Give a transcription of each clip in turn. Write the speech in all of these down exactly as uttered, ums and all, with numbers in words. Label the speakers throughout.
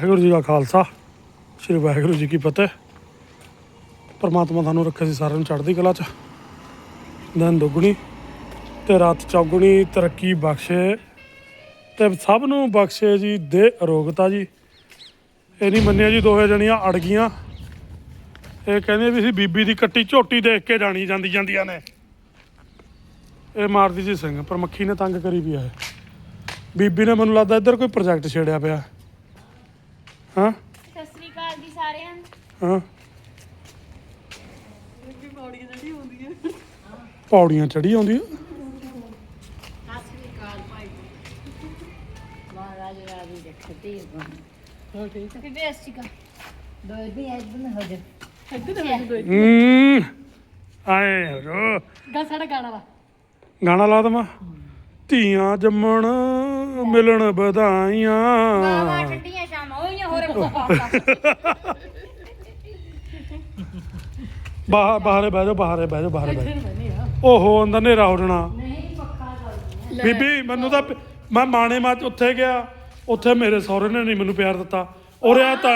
Speaker 1: ਵਾਹਿਗੁਰੂ ਜੀ ਕਾ ਖਾਲਸਾ ਸ਼੍ਰੀ ਵਾਹਿਗੁਰੂ ਜੀ ਕੀ ਫਤਿਹ। ਪਰਮਾਤਮਾ ਤੁਹਾਨੂੰ ਰੱਖੇ ਸੀ ਸਾਰਿਆਂ ਨੂੰ ਚੜ੍ਹਦੀ ਕਲਾ 'ਚ, ਦਿਨ ਦੁੱਗਣੀ ਤੇ ਰਾਤ ਚੌਗੁਣੀ ਤਰੱਕੀ ਬਖਸ਼ੇ ਤੇ ਸਭ ਨੂੰ ਬਖਸ਼ੇ ਜੀ ਦੇ ਅਰੋਗਤਾ ਜੀ। ਇਹ ਨਹੀਂ ਮੰਨਿਆ ਜੀ ਦੋਹੇ ਜਣੀਆਂ ਅੜ ਗਈਆਂ। ਇਹ ਕਹਿੰਦੇ ਵੀ ਅਸੀਂ ਬੀਬੀ ਦੀ ਕੱਟੀ ਝੋਟੀ ਦੇਖ ਕੇ ਜਾਣੀ ਜਾਂਦੀ ਜਾਂਦੀਆਂ ਨੇ। ਇਹ ਮਾਰਦੀ ਜੀ ਸਿੰਘ ਪਰ ਮੱਖੀ ਨੇ ਤੰਗ ਕਰੀ ਵੀ ਹੈ। ਬੀਬੀ ਨੇ ਮੈਨੂੰ ਲੱਗਦਾ ਇੱਧਰ ਕੋਈ ਪ੍ਰੋਜੈਕਟ ਛੇੜਿਆ ਪਿਆ। ਹਾਂ
Speaker 2: ਸਤਿ ਸ੍ਰੀ ਅਕਾਲ ਜੀ ਸਾਰਿਆਂ ਨੂੰ।
Speaker 1: ਹਾਂ ਪੌੜੀਆਂ ਚੜੀ ਆਉਂਦੀ ਆ।
Speaker 3: ਸਤਿ ਸ੍ਰੀ ਅਕਾਲ ਭਾਈ। ਮਹਾਰਾਜ ਰਾਜੀ ਰੱਖਦੇ ਹੋ ਠੀਕ
Speaker 2: ਬੀਬੀ ਸਤਿ ਸ੍ਰੀ ਅਕਾਲ।
Speaker 3: ਦੋ ਦਿਨ ਐ ਦਿਨ ਹੋ ਜਾ
Speaker 1: ਹੂੰ ਆਏ ਰੋ
Speaker 4: ਗਾ ਸਾਡਾ ਗਾਣਾ ਵਾ
Speaker 1: ਗਾਣਾ ਲਾ ਦਵਾਂ। ਧੀਆਂ ਜੰਮਣ ਮਿਲਣ ਵਧਾਈਆਂ
Speaker 2: ਬਾਵਾ ਠੰਡੀਆਂ ਸ਼ਾਮਾਂ ਹੋਈਆਂ ਹੋਰ ਪਾਪਾ।
Speaker 1: ਬਾਹਰ ਬਾਹਰੇ ਬਹਿ ਜਾਓ ਬਾਹਰੇ ਬਹਿ ਜਾਓ ਬਾਹਰੇ ਬਹਿ ਜਾਓ। ਓਹੋ ਅੰਦਰ ਹਨੇਰਾ ਹੋ ਜਾਣਾ। ਬੀਬੀ ਮੈਨੂੰ ਤਾਂ ਪ- ਮੈਂ ਮਾਣੇ ਮਾ ਉੱਥੇ ਗਿਆ, ਉੱਥੇ ਮੇਰੇ ਸਹੁਰੇ ਨੇ ਨਹੀਂ ਮੈਨੂੰ ਪਿਆਰ ਦਿੱਤਾ। ਉਰਿਆ ਤਾਂ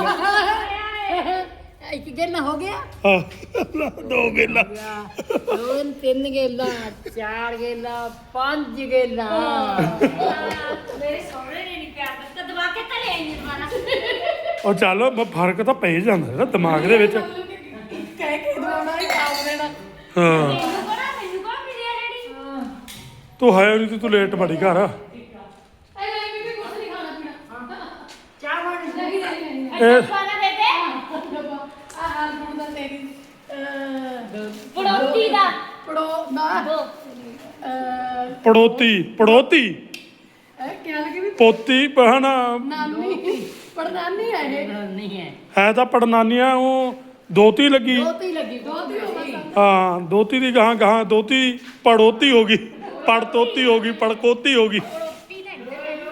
Speaker 3: ਇੱਕ ਗੇਲਾ ਹੋ ਗਿਆ
Speaker 1: ਆਹ, ਦੋ ਗੇਲਾ
Speaker 3: ਦੋ ਤਿੰਨ ਗੇਲਾ ਚਾਰ ਗੇਲਾ ਪੰਜ ਗੇਲਾ
Speaker 2: ਮੇਰੇ ਸਹੁਰੇ ਨੇ ਨਹੀਂ ਪਿਆਰ ਦਿੱਤਾ ਦਬਾ ਕੇ ਤਾਂ ਲੈ ਆਈ ਦੁਬਾਰਾ।
Speaker 1: ਉਹ ਚੱਲ ਮ- ਫਰਕ ਤਾਂ ਪੈ ਜਾਂਦਾ ਜਿਹੜਾ ਦਿਮਾਗ ਦੇ ਵਿੱਚ।
Speaker 4: ਕਹਿ ਕੇ ਦਵਾਉਣਾ ਹੀ ਖਾਉ ਦੇਣਾ।
Speaker 1: ਹਾਂ
Speaker 2: ਮੈਨੂੰ ਕੋਣਾ ਮੈਨੂੰ ਕੋਣਾ ਮਿਲਿਆ ਰੈਡੀ।
Speaker 1: ਤੂੰ ਹੈ ਨਹੀਂ ਤੂੰ ਲੇਟ ਬੜੀ ਘਰ।
Speaker 4: ਐ ਲੈ ਬੀਬੀ ਕੁਛ ਨਹੀਂ ਖਾਣਾ ਪੀਣਾ।
Speaker 3: ਚਾਹ ਬਣ
Speaker 4: ਨਹੀਂ ਨਹੀਂ ਨਹੀਂ
Speaker 1: ਇਹ
Speaker 2: ਖਾਣਾ ਬੇਬੇ
Speaker 4: ਆ ਹਾਲ ਹੁਣ ਦਾ ਤੇਰੀ ਅ
Speaker 2: ਪੜੋਤੀ ਦਾ
Speaker 4: ਪੜੋ ਨਾ
Speaker 2: ਦੋ
Speaker 4: ਅ
Speaker 1: ਪੜੋਤੀ ਪੜੋਤੀ
Speaker 4: ਇਹ ਕਿਆ ਲੱਗੇ ਵੀ
Speaker 1: ਪੋਤੀ ਬਹਣਾ
Speaker 4: ਨਾਨੀ ਪੜਨਾਨੀ ਹੈ ਇਹ
Speaker 3: ਨਹੀਂ ਹੈ
Speaker 1: ਹੈ ਤਾਂ ਪੜਨਾਨੀਆਂ ਉਹ ਦੋਤੀ ਲੱਗੀ।
Speaker 4: ਦੋਤੀ ਲੱਗੀ ਦੋਤੀ ਹੋ ਗਈ।
Speaker 1: ਹਾਂ ਦੋਤੀ ਦੀ ਗਾਹਾਂ ਗਾਹਾਂ ਦੋਤੀ ਪੜੋਤੀ ਹੋ ਗਈ, ਪੜ ਤੋਤੀ ਹੋ ਗਈ, ਪੜਕੋਤੀ ਹੋ ਗਈ।
Speaker 2: ਪੜੋਤੀ ਲੈ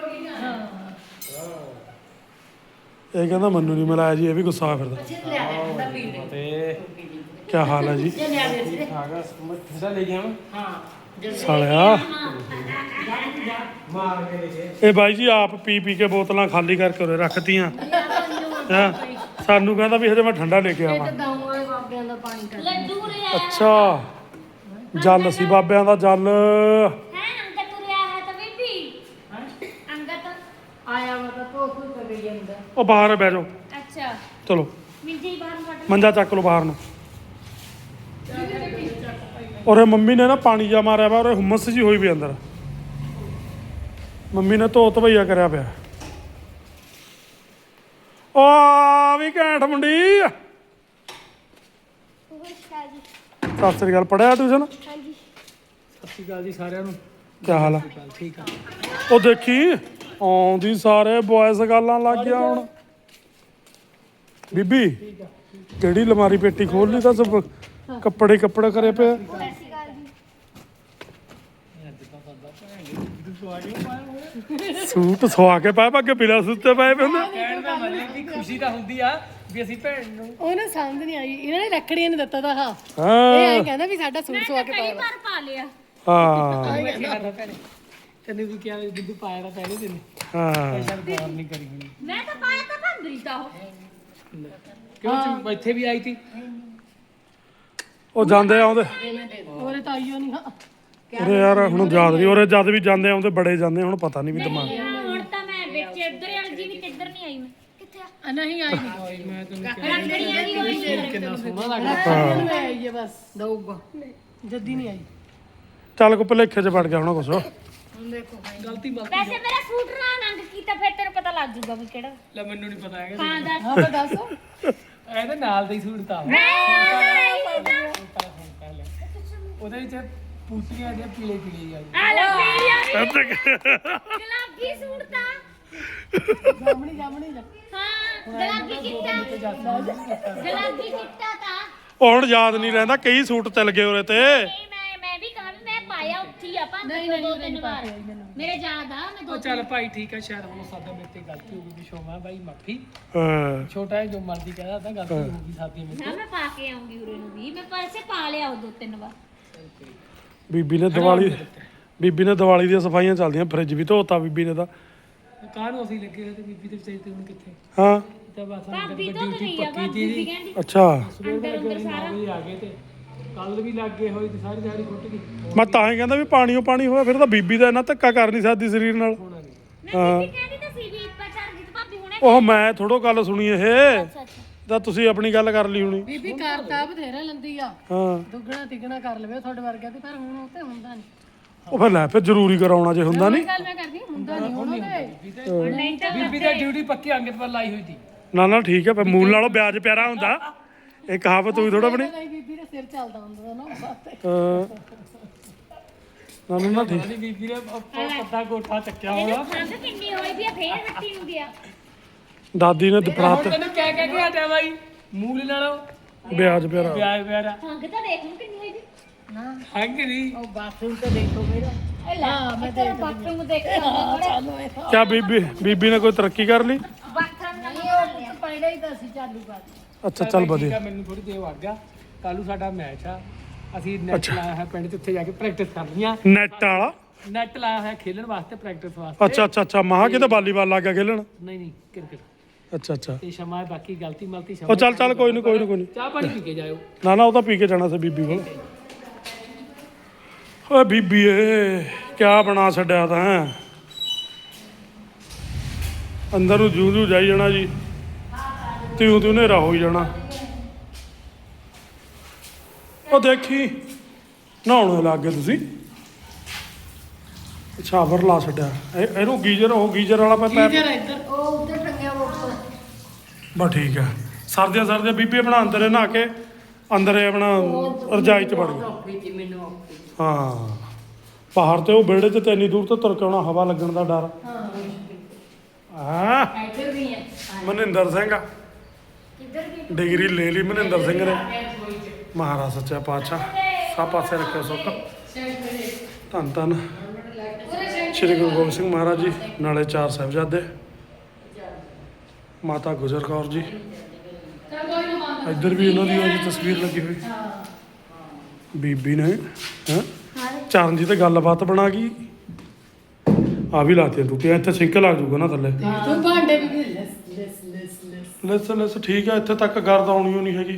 Speaker 1: ਇਹ ਕਹਿੰਦਾ ਮੈਨੂੰ ਨਹੀਂ ਮਿਲਾਇਆ ਜੀ, ਇਹ ਵੀ ਗੁੱਸਾ ਫਿਰਦਾ।
Speaker 3: ਲਿਆ ਦੇ ਠੰਡਾ ਪੀ ਲੈ
Speaker 1: ਕੀ ਹਾਲ ਹੈ ਜੀ
Speaker 3: ਜੇ ਲਿਆ ਦੇ ਸੀ
Speaker 5: ਠੰਡਾ ਲੈ ਗਿਆ ਮੈਂ
Speaker 3: ਹਾਂ
Speaker 1: ਸਾਲਿਆ। ਇਹ ਬਾਈ ਜੀ ਆਪ ਪੀ ਪੀ ਕੇ ਬੋਤਲਾਂ ਖਾਲੀ ਕਰਕੇ ਉਰੇ ਰੱਖਤੀਆਂ। ਹੈਂ ਸਾਨੂੰ ਕਹਿੰਦਾ ਵੀ ਹਜੇ ਮੈਂ ਠੰਡਾ ਲੈ ਕੇ
Speaker 3: ਇਹ
Speaker 1: ਆਵਾਂ।
Speaker 3: ਤਾਂ ਦਾਉਂ ਵਾਲੇ ਬਾਬਿਆਂ ਦਾ ਪਾਣੀ ਕਰ
Speaker 2: ਲੱਡੂ ਲੈ ਆਇਆ
Speaker 1: ਅੱਛਾ ਜਲ ਸੀ ਬਾਬਿਆਂ ਦਾ ਜਲ।
Speaker 2: ਹੈ ਅੰਗਦ ਤੁਰਿਆ ਹੈ ਤਾਂ ਬੀਬੀ ਅੰਗਦ
Speaker 3: ਆਇਆ ਵਾ ਤਾਂ ਤੋ ਕੋਈ ਕਰ ਗਈ ਜਾਂਦਾ
Speaker 1: ਉਹ ਬਾਹਰ ਬਹਿ ਜਾਓ
Speaker 2: ਅੱਛਾ
Speaker 1: ਚਲੋ
Speaker 2: ਮਿੰਜੇ ਹੀ ਬਾਹਰ ਕੱਢ
Speaker 1: ਮੰਜਾ ਚੱਕ ਲਓ ਬਾਹਰ ਨੂੰ। ਔਰ ਮੰਮੀ ਨੇ ਨਾ ਪਾਣੀ ਜਾ ਮਾਰਿਆ ਵਾ ਔਰ ਹੁਮਸ ਜੀ ਹੋਈ ਵੀ ਅੰਦਰ। ਮੰਮੀ ਨੇ ਧੋ ਧਵਈਆ ਕਰਿਆ ਪਿਆ। ਓ ਆ ਵੀ ਘੈਂਟ ਮੁੰਡੀ। ਸਤਿ ਸ੍ਰੀ ਅਕਾਲ। ਪੜਿਆ ਟਿਊਸ਼ਨ?
Speaker 2: ਹਾਂਜੀ
Speaker 5: ਸਤਿ ਸ਼੍ਰੀ ਅਕਾਲ ਜੀ ਸਾਰਿਆਂ ਨੂੰ।
Speaker 1: ਕੀ ਹਾਲ ਆ?
Speaker 5: ਠੀਕ ਆ।
Speaker 1: ਉਹ ਦੇਖੀ ਆਉਂਦੀ ਸਾਰੇ ਬॉयਜ਼ ਗੱਲਾਂ ਲੱਗ ਗਿਆ ਹੁਣ। ਬੀਬੀ ਕਿਹੜੀ ਲਮਾਰੀ ਪੇਟੀ ਖੋਲ ਲਈ ਤਾਂ ਸਭ ਕੱਪੜੇ ਕੱਪੜੇ ਕਰੇ ਪਏ।
Speaker 2: ਸਤਿ ਸ਼੍ਰੀ ਅਕਾਲ ਜੀ।
Speaker 1: ਸੂਟ ਸਵਾ ਕੇ ਪਾਏ ਅੱਗੇ ਬਿਨਾਂ ਸੁੱਤੇ ਪਏ ਪਏ ਹੁੰਦੇ।
Speaker 5: ਕਹਿਣ ਦਾ ਮਤਲਬ ਕਿ ਖੁਸ਼ੀ ਤਾਂ ਹੁੰਦੀ ਆ ਵੀ ਅਸੀਂ ਭੈਣ ਨੂੰ
Speaker 4: ਉਹਨੂੰ ਸਮਝ ਨਹੀਂ ਆਈ ਇਹਨਾਂ ਨੇ ਰੱਖੜੀਆਂ ਨੇ ਦਿੱਤਾ ਤਾਂ ਹਾਂ ਇਹ
Speaker 1: ਹਾਂ
Speaker 4: ਐਂ ਕਹਿੰਦਾ ਵੀ ਸਾਡਾ ਸੂਟ ਸਵਾ ਕੇ
Speaker 2: ਕਈ
Speaker 4: ਪਾਇਆ
Speaker 2: ਵਾਰ ਪਾ ਲਿਆ
Speaker 1: ਹਾਂ
Speaker 5: ਮੈਂ ਕਿਹਾ ਭੈਣੇ ਤੈਨੂੰ ਵੀ ਕਿਹਾ ਦੁੱਧ ਪਾਇਆ ਤਾਂ ਪਹਿਲੇ ਦਿਨ
Speaker 1: ਹਾਂ
Speaker 5: ਸ਼ਾਇਦ ਗੌਰ ਨਹੀਂ ਕਰੀ ਹੋਣੀ।
Speaker 2: ਮੈਂ ਤਾਂ ਪਾਇਆ ਤਾਂ ਭੰਦਰੀ ਤਾਂ ਉਹ
Speaker 5: ਕਿਉਂ ਤੂੰ ਇੱਥੇ ਵੀ ਆਈ ਤੀ
Speaker 1: ਉਹ ਜਾਂਦੇ ਆਉਂਦੇ
Speaker 4: ਉਹਦੇ ਤਾਂ ਆਈਓ ਨਹੀਂ ਹਾਂ
Speaker 1: ਉਰੇ ਯਾਰ ਹੁਣ ਯਾਦ ਨਹੀਂ। ਉਰੇ ਜਦ ਵੀ ਜਾਂਦੇ ਆਉਂਦੇ ਬੜੇ ਜਾਂਦੇ ਹੁਣ ਪਤਾ ਨਹੀਂ ਵੀ ਦਿਮਾਗ।
Speaker 2: ਹੁਣ ਤਾਂ ਮੈਂ ਵਿੱਚ ਇੱਧਰ ਵਾਲੀ ਜੀ ਵੀ ਕਿੱਧਰ ਨਹੀਂ ਆਈ ਮੈਂ ਕਿੱਥੇ ਆ
Speaker 4: ਆ ਨਹੀਂ ਆਈ ਨਹੀਂ
Speaker 5: ਮੈਂ ਤੈਨੂੰ
Speaker 2: ਰੱਖੜੀਆਂ ਦੀ ਹੋਈ
Speaker 5: ਕਿੰਨਾ ਸੋਹਣਾ ਲੱਗਦਾ।
Speaker 4: ਹਾਂ ਮੈਂ ਆਈ ਹੈ ਬਸ
Speaker 3: ਦਊਗਾ
Speaker 4: ਜੱਦੀ ਨਹੀਂ ਆਈ
Speaker 1: ਚੱਲ ਕੋ ਭਲੇਖੇ 'ਚ ਵੜ ਗਿਆ ਹੁਣ ਕੁਛ।
Speaker 3: ਹੁਣ ਦੇਖੋ
Speaker 5: ਗਲਤੀ ਮਾਫੀ
Speaker 2: ਵੈਸੇ ਮੇਰਾ ਸੂਟ ਨਾ ਨੰਗ ਕੀਤਾ ਫਿਰ ਤੈਨੂੰ ਪਤਾ ਲੱਗ ਜੂਗਾ ਵੀ ਕਿਹੜਾ
Speaker 5: ਲੈ ਮੈਨੂੰ ਨਹੀਂ ਪਤਾ ਹੈਗਾ
Speaker 2: ਹਾਂ ਦੱਸ
Speaker 4: ਹਾਂ ਬਸ ਦੱਸ
Speaker 5: ਇਹਦੇ ਨਾਲ ਦਾ ਹੀ ਸੂਟ ਤਾਂ
Speaker 2: ਮੈਂ ਆਈ ਤਾਂ
Speaker 5: ਉਹਦੇ ਵਿੱਚ ਪੂਤੀਆਂ ਦੀਆਂ ਪੀਲੇ ਪੀਲੇ ਆ
Speaker 2: ਆ ਲੈ ਪੀੜੀਆਂ ਗੁਲਾਬੀ ਸੂਟ ਤਾਂ
Speaker 4: ਜਾਮਣੀ ਜਾਮਣੀ ਜਾ
Speaker 2: ਹਾਂ ਗੁਲਾਬੀ ਚਿੱਟਾ ਗੁਲਾਬੀ ਚਿੱਟਾ ਤਾਂ
Speaker 1: ਉਹ ਹੁਣ ਯਾਦ ਨਹੀਂ ਰਹਿੰਦਾ ਕਈ ਸੂਟ ਚੱਲ ਗਏ ਉਰੇ ਤੇ।
Speaker 2: ਨਹੀਂ ਮੈਂ ਮੈਂ ਵੀ ਕਹਾਂ ਵੀ ਮੈਂ ਪਾਇਆ ਉੱਥੇ ਹੀ ਆ ਭਾਂਦੇ ਦੋ ਤਿੰਨ ਵਾਰ ਮੇਰੇ ਯਾਦ ਆ ਮੈਂ ਦੋ
Speaker 5: ਉਹ ਚੱਲ ਭਾਈ ਠੀਕ ਆ ਸ਼ਾਇਦ ਹੁਣ ਸਾਡਾ ਮੇਰੇ ਤੇ ਗਲਤੀ ਹੋ ਗਈ ਵੀ ਸ਼ੋਮਾ ਭਾਈ ਮਾਫੀ
Speaker 1: ਹਾਂ
Speaker 5: ਛੋਟਾ ਹੈ ਜੋ ਮਰਜ਼ੀ ਕਹਦਾ ਤਾਂ ਗਲਤੀ ਹੋ ਗਈ ਸਾਡੀ ਮੇਰੇ
Speaker 2: ਨਾ ਮੈਂ ਪਾ ਕੇ ਆਉਂਗੀ ਉਰੇ ਨੂੰ ਵੀ ਮੈਂ ਪੈਸੇ ਪਾ ਲਿਆ ਉਹ ਦੋ ਤਿੰਨ ਵਾਰ
Speaker 1: ਬੀਬੀ ਨੇ ਦੀਵਾਲੀ ਬੀਬੀ ਨੇ ਦੀਵਾਲੀ ਦੀਆਂ ਸਫਾਈਆਂ ਚੱਲਦੀਆਂ। ਫ੍ਰਿਜ ਵੀ ਧੋਤਾ ਬੀਬੀ ਨੇ ਤਾਂ।
Speaker 5: ਕਾਹਨੂੰ ਅਸੀਂ ਲੱਗੇ ਹੋਏ ਤੇ ਬੀਬੀ ਦੇ ਵਿਚਾਰੀ ਤੇ ਹੁਣ ਕਿੱਥੇ
Speaker 1: ਹਾਂ
Speaker 5: ਤਾਂ ਬਸ
Speaker 2: ਭਾਬੀ
Speaker 5: ਅੰਦਰ
Speaker 2: ਤੋਂ
Speaker 5: ਵੱਡੀ
Speaker 2: ਗਈ
Speaker 5: ਉੱਠੀ
Speaker 2: ਆ
Speaker 5: ਪੱਕੀ
Speaker 2: ਭਾਬੀ
Speaker 5: ਜੀ
Speaker 2: ਵੀ ਕਹਿੰਦੀ
Speaker 1: ਅੱਛਾ
Speaker 5: ਸਵੇਰ ਦੇ ਲੱਗੇ ਨੌ ਵਜੇ ਆ ਗਏ ਤੇ ਕੱਲ ਵੀ ਲੱਗ ਗਏ ਹੋਈ ਤੇ ਸਾਰੀ ਦਿਹਾੜੀ ਫੁੱਟ ਗਈ
Speaker 1: ਮੈਂ ਤਾਂ ਹੀ ਕਹਿੰਦਾ ਵੀ ਪਾਣੀਓ ਪਾਣੀ ਹੋਇਆ ਫਿਰ ਤਾਂ ਬੀਬੀ ਦਾ ਇੰਨਾ ਧੱਕਾ ਕਰ ਨਹੀਂ ਸਕਦੀ ਸਰੀਰ ਨਾਲ
Speaker 5: ਹੋਣਾ ਨਹੀਂ
Speaker 2: ਮੈਂ ਬੀਬੀ ਕਹਿੰਦੀ ਤਾਂ ਸੀ ਵੀ ਇੱਪਾ ਚਰਨਜੀਤ ਭਾਬੀ ਹੁਣੇ
Speaker 1: ਉਹ ਮੈਂ ਥੋੜੋ ਗੱਲ ਸੁਣੀ ਇਹ
Speaker 2: ਅੱਛਾ ਅੱਛਾ
Speaker 1: ਤਾਂ ਤੁਸੀਂ ਆਪਣੀ ਗੱਲ ਕਰ ਲਈ ਹੋਣੀ
Speaker 3: ਬੀਬੀ ਕਰਤਾ ਬਥੇਰਾ ਲੰਦੀ ਆ
Speaker 1: ਹਾਂ
Speaker 3: ਦੁੱਗਣਾ ਤਿੱਗਣਾ ਕਰ ਲਵੇ ਤੁਹਾਡੇ ਵਰਗਾ ਤੇ ਪਰ ਹੁਣ ਉਹ ਤੇ ਹੁੰਦਾ ਨਹੀਂ
Speaker 1: ਉਹ ਫਿਰ ਲੈ ਫਿਰ ਜ਼ਰੂਰੀ ਕਰਾਉਣਾ ਜੇ ਹੁੰਦਾ ਨਹੀਂ
Speaker 3: ਗੱਲ ਮੈਂ ਕਰਦੀ ਹੁੰਦਾ ਨਹੀਂ ਹੁਣ ਉਹਦੇ
Speaker 2: ਨਹੀਂ ਤਾਂ
Speaker 5: ਬੀਬੀ ਦੀ ਡਿਊਟੀ ਪੱਕੀ ਅੰਗਤ ਪਰ ਲਾਈ ਹੋਈ ਸੀ
Speaker 1: ਨਾ ਨਾ ਠੀਕ ਹੈ ਫਿਰ ਮੂਲ ਨਾਲੋਂ ਵਿਆਜ ਪਿਆਰਾ ਹੁੰਦਾ ਇਹ ਕਹਾਵਤ ਹੋਈ ਥੋੜਾ ਬਣੀ
Speaker 3: ਨਹੀਂ ਬੀਬੀ ਦੇ ਸਿਰ ਚੱਲਦਾ ਹੁੰਦਾ ਨਾ ਵਾਸਤੇ
Speaker 1: ਹਾਂ। ਨਾ ਨਾ ਨਾ ਠੀਕ
Speaker 5: ਸਾਡੀ ਬੀਬੀ ਨੇ ਪੱਤਾ ਕੋਠਾ ਚੱਕਿਆ
Speaker 2: ਇਹਨੂੰ
Speaker 5: ਹੋਣਾ
Speaker 2: ਖੰਗ ਕਿੰਨੀ ਹੋਈ ਵੀ ਆ ਫੇਰ ਹੱਟੀ ਨੂੰ ਗਿਆ
Speaker 1: ਦਾਦੀ ਨੇ
Speaker 5: ਹੁਣ
Speaker 1: ਦਪਰਾਤ
Speaker 5: ਤੈਨੂੰ ਕਹਿ ਕਹਿ ਕੇ ਹਟਿਆ ਬਾਈ ਮੂਲ ਨਾਲੋਂ
Speaker 1: ਵਿਆਜ ਪਿਆਰਾ
Speaker 5: ਪਿਆਰ ਪਿਆਰਾ
Speaker 2: ਖੰਗ ਤਾਂ ਦੇਖ ਨੂੰ ਕਿੰਨੀ ਹੋਈ ਵੀ
Speaker 3: ਨਾ
Speaker 5: ਹੰਗ ਨਹੀਂ
Speaker 3: ਉਹ ਬਾਥਰੂਮ ਤੇ ਦੇਖੋ ਮੇਰਾ
Speaker 2: ਇਹ ਲੈ ਮੈਂ ਤੇਰਾ ਬਾਥਰੂਮ ਦੇਖ ਕੇ ਆਉਂਦਾ
Speaker 3: ਚਾਲੂ ਹੈ
Speaker 1: ਕਿਆ ਬੀਬੀ ਬੀਬੀ ਨੇ ਕੋਈ ਤਰੱਕੀ ਕਰ ਲਈ
Speaker 2: ਬਾਥਰੂਮ ਨਾ
Speaker 3: ਨਹੀਂ ਉਹ ਪਹਿਲਾਂ ਹੀ ਤਾਂ ਅਸੀਂ ਚਾਲੂ ਕਰ
Speaker 1: ਅੱਛਾ ਚੱਲ
Speaker 5: ਠੀਕ
Speaker 1: ਵਧੀਆ
Speaker 5: ਆ, ਮੈਨੂੰ ਥੋੜੀ ਦੇਰ ਵਗ ਗਿਆ ਕੱਲੂ ਸਾਡਾ ਮੈਚ ਆ ਅਸੀਂ ਨੈਟ ਲਾਇਆ ਹੈ ਪਿੰਡ 'ਚ ਉੱਥੇ ਜਾ ਕੇ ਪ੍ਰੈਕਟਿਸ ਕਰਨੀ ਆ
Speaker 1: ਨੈਟ ਵਾਲਾ
Speaker 5: ਨੈਟ ਲਾਇਆ ਹੋਇਆ ਖੇਲਣ ਵਾਸਤੇ ਪ੍ਰੈਕਟਿਸ ਵਾਸਤੇ
Speaker 1: ਅੱਛਾ ਅੱਛਾ ਅੱਛਾ ਮਹਾ ਕਿਤੇ ਵਾਲੀਬਾਲ ਲੱਗ ਗਿਆ ਖੇਲਣ
Speaker 5: ਨਹੀਂ ਨਹੀਂ ਕ੍ਰਿਕਟ
Speaker 1: ਅੱਛਾ ਅੱਛਾ
Speaker 5: ਤੇ ਸ਼ਮਾ ਬਾਕੀ ਗਲਤੀ ਮਲਤੀ ਸ਼ਮਾ
Speaker 1: ਉਹ ਚੱਲ ਚੱਲ ਕੋਈ ਨਹੀਂ ਕੋਈ ਨਹੀਂ ਕੋਈ ਨਹੀਂ
Speaker 5: ਚਾਹ ਪਾਣੀ ਪੀ ਕੇ ਜਾਇਓ
Speaker 1: ਨਾ ਨਾ ਉਹ ਤਾਂ ਪੀ ਕੇ ਜਾਣਾ ਸੀ ਬੀਬੀ ਕੋਲ ਓਏ ਬੀਬੀ ਏ ਕਿਆ ਬਣਾ ਛੱਡਿਆ ਤਾਂ ਅੰਦਰ ਨੂੰ ਜੂ ਜੂ ਜਾਈ ਜਾਣਾ ਜੀ ਤਿਉ ਤਿਉ ਹਨੇਰਾ ਹੋਈ ਜਾਣਾ ਉਹ ਦੇਖੀ ਨਹਾਉਣ ਲੱਗ ਗਏ ਤੁਸੀਂ ਛਾਵਰ ਲਾ ਛੱਡਿਆ ਇਹ- ਇਹਨੂੰ ਗੀਜ਼ਰ ਉਹ ਗੀਜ਼ਰ ਵਾਲਾ ਪੈ ਪੈਪ
Speaker 3: ਇੱਧਰ ਉਹ ਉੱਧਰ ਟੰਗਿਆ ਉੱਪਰ
Speaker 1: ਬਸ ਠੀਕ ਆ ਸਰਦੀਆਂ ਸਰਦੀਆਂ ਬੀਬੀ ਆਪਣਾ ਅੰਦਰ ਨਹਾ ਕੇ ਅੰਦਰ ਇਹ ਆਪਣਾ ਰਜਾਈ ਚ ਵੜ ਗਈ
Speaker 3: ਔਖੀ ਸੀ ਮੈਨੂੰ ਔਖੀ
Speaker 1: ਹਾਂ ਬਾਹਰ ਤੇ ਉਹ ਵਿਹੜੇ 'ਚ ਤੇ ਇੰਨੀ ਦੂਰ ਤੋਂ ਤੁਰ ਕੇ ਆਉਣਾ ਹਵਾ ਲੱਗਣ ਦਾ ਡਰ ਹਾਂ
Speaker 3: ਇੱਧਰ ਵੀ ਹੈ
Speaker 1: ਮਨਿੰਦਰ ਸਿੰਘ
Speaker 2: ਕਿੱਧਰ ਵੀ
Speaker 1: ਡਿਗਰੀ ਲੈ ਲਈ ਮਨਿੰਦਰ ਸਿੰਘ ਨੇ ਮਹਾਰਾਜ ਸੱਚਾ ਪਾਤਸ਼ਾਹ ਸਭ ਪਾਸੇ ਰੱਖਿਓ ਸੁੱਖ ਧੰਨ ਧੰਨ ਸ਼੍ਰੀ ਗੁਰੂ ਗੋਬਿੰਦ ਸਿੰਘ ਮਹਾਰਾਜ ਜੀ ਨਾਲੇ ਚਾਰ ਸਾਹਿਬਜ਼ਾਦੇ ਮਾਤਾ ਗੁਜਰ ਕੌਰ ਜੀ ਇੱਧਰ ਵੀ ਉਹਨਾਂ ਦੀ ਉਹਦੀ ਤਸਵੀਰ ਲੱਗੀ ਹੋਈ ਬੀਬੀ ਨੇ ਹੈਂ ਚਰਨਜੀਤ ਤੇ ਗੱਲਬਾਤ ਬਣਾ ਗਈ ਆ ਵੀ ਲਾਤੀਆਂ ਟੁੱਟੀਆਂ ਇੱਥੇ ਸਿੰਕ ਲੱਗ ਜੂਗਾ ਨਾ ਥੱਲੇ
Speaker 3: ਤੂੰ ਭਾਂਡੇ ਵੀ ਲੈਸ ਲੈਸ ਲੈਸ ਲੈਸ
Speaker 1: ਲੈਸ ਲੈਸ ਠੀਕ ਆ ਇੱਥੇ ਤੱਕ ਗਰਦ ਆਉਣੀ ਓ ਨਹੀਂ ਹੈਗੀ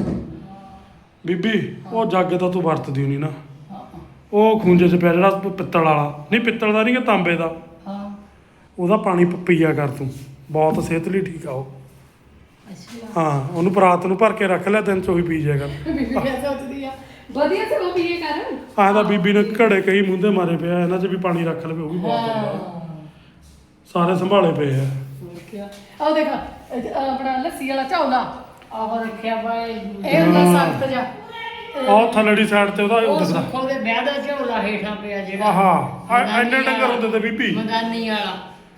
Speaker 1: ਬੀਬੀ ਉਹ ਜੱਗ ਤਾਂ ਤੂੰ ਵਰਤਦੀ ਨਹੀਂ ਨਾ ਉਹ ਖੂੰਜੇ 'ਚ ਪਿਆ ਜਿਹੜਾ ਪਿੱਤਲ ਵਾਲਾ ਨਹੀਂ ਪਿੱਤਲ ਦਾ ਨਹੀਂ ਕਿ ਤਾਂਬੇ ਦਾ
Speaker 3: ਹਾਂ
Speaker 1: ਉਹਦਾ ਪਾਣੀ ਪ- ਪੀਆ ਕਰ ਤੂੰ ਬਹੁਤ ਸਿਹਤ ਲਈ ਠੀਕ ਆ ਉਹ
Speaker 3: ਅੱਛਾ
Speaker 1: ਹਾਂ ਉਹਨੂੰ ਪਰਾਤ ਨੂੰ ਭਰ ਕੇ ਰੱਖ ਲੈ ਦਿਨ 'ਚ ਉਹੀ ਪੀ ਜਾਇਆ ਕਰ
Speaker 3: ਬੀਬੀ ਕਿਆ ਸੋਚਦੀ ਆ ਵਧੀਆ ਸੇ ਉਹ ਪੀਏ ਕਰ
Speaker 1: ਆਹ ਤਾਂ ਬੀਬੀ ਨੇ ਘੜੇ ਕਈ ਮੂੰਹਦੇ ਮਾਰੇ ਪਿਆ ਇਹਨਾਂ 'ਚ ਵੀ ਪਾਣੀ ਰੱਖ ਲਵੇ ਉਹ ਵੀ ਬਹੁਤ ਹੁੰਦਾ ਸਾਰੇ ਸੰਭਾਲੇ ਪਏ ਆ
Speaker 3: ਕਿਆ ਆਹ ਦੇਖ ਇਹ ਆਪਣਾ ਲੱਸੀ ਵਾਲਾ ਝੌਲਾ ਆਹ ਰੱਖਿਆ ਬਾਈ ਇਹ ਹੁੰਦਾ ਸਖਤ ਜਾ
Speaker 1: ਆਹ ਥੱਲੜੀ ਸਾਈਡ ਤੇ ਉਹਦਾ ਉਹ
Speaker 3: ਉਹ
Speaker 1: ਦਿਖਦਾ
Speaker 3: ਸੁੱਖੋ ਦੇ ਵਿਆਹ ਦਾ ਝੌਲਾ ਹੇਠਾਂ ਪਿਆ ਜਿਹੜਾ
Speaker 1: ਆਹਾ ਆ ਇੰਨੇ ਡੰਗਰ ਹੁੰਦੇ ਤੇ ਬੀਬੀ
Speaker 3: ਮਦਾਨੀ ਵਾਲਾ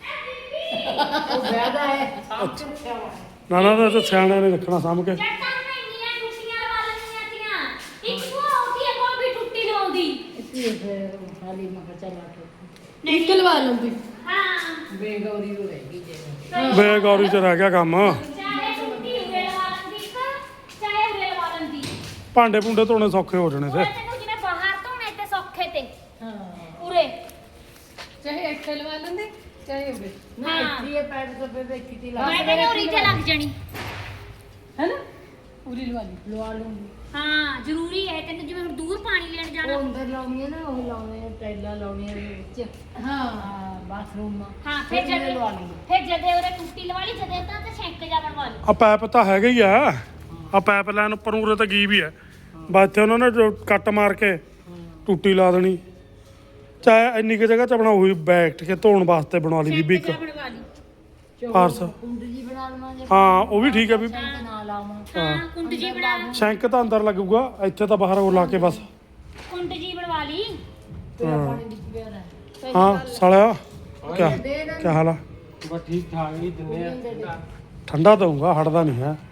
Speaker 3: ਉਹ ਵਿਆਹ ਦਾ ਹੈ ਸਭ ਰੱਖਿਆ ਵਾ
Speaker 1: ਨਾ ਨਾ ਤਾਂ ਸਿਆਣਿਆਂ ਨੇ ਰੱਖਣਾ ਸਾਂਭ ਕੇ
Speaker 2: ਜੱਟਾਂ ਨੇ ਇੰਨੀਆਂ ਟੁੱਟੀਆਂ ਲਵਾ ਲੈਣੀਆਂ ਤੀਆਂ ਇੱਕ ਉਹ ਆਉਂਦੀ ਹੈ ਕੋਈ ਵੀ ਟੁੱਟੀ ਲਵਾਉਂਦੀ
Speaker 3: ਇੱਥੇ ਫਿਰ ਹਾਲੀ ਮੈਂ ਕਿਹਾ ਚੱਲ ਆਟੋ ਇੱਕ ਲਵਾ ਲੰਦੀ
Speaker 2: ਹਾਂ
Speaker 3: ਬੇਗੌਰੀ ਹੋ ਰਹੀ ਜੇ
Speaker 1: ਬੇਗੌਰੀ 'ਚ ਰਹਿ ਗਿਆ ਕੰਮ
Speaker 2: ਚਾਹੇ ਟੁੱਟੀ ਉਰੇ ਲਵਾ ਲੈਂਦੀ ਇੱਕ ਚਾਹੇ ਉਰੇ ਲਵਾ ਲੈਂਦੀ
Speaker 1: ਭਾਂਡੇ ਭੁੰਡੇ ਧੋਣੇ ਸੌਖੇ ਹੋ ਜਾਣੇ
Speaker 2: ਉਹ
Speaker 1: ਤੇ
Speaker 2: ਤੈਨੂੰ ਜਿਵੇਂ ਬਾਹਰ ਧੋਣੇ ਤੇ ਸੌਖੇ ਤੇ
Speaker 3: ਹਾਂ
Speaker 2: ਉਰੇ
Speaker 3: ਚਾਹੇ ਇੱਥੇ ਲਵਾ ਲੈਂਦੇ ਚਾਹੇ ਉਰੇ ਨਾ
Speaker 2: ਹਾਂ।
Speaker 3: ਇੱਥੇ ਇਹ ਪੈਰ ਤੋਂ ਬੇਬੇ ਕਿਤੇ ਲਾ
Speaker 2: ਮੈਂ ਕਹਿੰਦੀ ਉਰੀ ਤੇ ਲੱਗ ਜਾਣੀ
Speaker 3: ਹੈ ਨਾ ਉਰੀ ਲਵਾ ਲਈ ਲਵਾ ਲੂੰਗੀ
Speaker 2: ਹਾਂ ਜ਼ਰੂਰੀ ਹੈ ਤੈਨੂੰ ਜਿਵੇਂ ਹੁਣ ਦੂਰ ਪਾਣੀ ਲੈਣ
Speaker 3: ਉਹ
Speaker 2: ਜਾਣਾ
Speaker 3: ਅੰਦਰ ਲਾਉਣੀਆਂ ਨਾ ਉਹ ਲਾਉਣੇ ਆ ਟੈਲਾਂ ਲਾਉਣੀਆਂ ਦੇ ਵਿੱਚ ਹਾਂ ਬਾਥਰੂਮ
Speaker 2: ਹਾਂ ਫਿਰ
Speaker 3: ਫਿਰ
Speaker 2: ਜਦੇ
Speaker 3: ਲਵਾ ਲਈ
Speaker 2: ਫਿਰ ਜਦੇ ਉਰੇ ਟੁੱਟੀ ਲਵਾ ਲਈ ਜਦੇ ਤਾਂ ਤੇ ਸ਼ੈਂਕ ਜਾ ਬਣਵਾ ਲਈ
Speaker 1: ਆ ਪੈਪ ਤਾਂ ਹੈਗਾ ਹੀ ਆ ਆ ਪਾਈਪ ਲਾਈਨ ਉੱਪਰ ਉਰੇ ਤਾਂ ਗਈ ਵੀ ਹੈ ਬਸ ਇੱਥੇ ਉਹਨਾਂ ਨੇ ਜੋ ਕੱਟ ਮਾਰ ਕੇ ਟੂਟੀ ਲਾ ਦੇਣੀ ਚਾਹੇ ਇੰਨੀ ਕੁ ਜਗ੍ਹਾ 'ਚ ਆਪਣਾ ਉਹੀ ਬੈਠ ਕੇ ਧੋਣ ਵਾਸਤੇ ਬਣਾ ਲਈ ਬੀਬੀ ਇੱਕ
Speaker 2: ਸ਼ੈਂਕ ਜਾ ਬਣਵਾ ਲਈ
Speaker 1: ਫਾਰਸ
Speaker 3: ਕੁੰਡ ਜੀ ਬਣਾ ਲਵਾਂਗੇ
Speaker 1: ਹਾਂ ਉਹ ਵੀ ਠੀਕ ਹੈ ਬੀਬੀ
Speaker 3: ਟੈਂਕ ਨਾ ਲਾਵਾਂ
Speaker 2: ਹਾਂ ਕੁੰਡ ਜੀ ਬਣਾ ਲਾ
Speaker 1: ਸ਼ੈਂਕ ਤਾਂ ਅੰਦਰ ਲੱਗੂਗਾ ਇੱਥੇ ਤਾਂ ਬਾਹਰ ਉਹ ਲਾ ਕੇ ਬਸ
Speaker 2: ਕੁੰਡ ਜੀ ਬਣਵਾ ਲਈ
Speaker 3: ਤੇਰਾ ਪਾਣੀ ਵਿੱਚ ਪਿਆ ਰਹਿ
Speaker 1: ਹਾਂ ਸਾਲਿਆ ਕਿਆ ਕਿਆ ਹਾਲ ਆ
Speaker 5: ਬਸ ਠੀਕ ਠਾਕ ਹੀ ਦਿੰਦੇ ਆ
Speaker 1: ਠੰਡਾ ਦਊਂਗਾ ਹਟਦਾ ਨਹੀਂ ਹੈ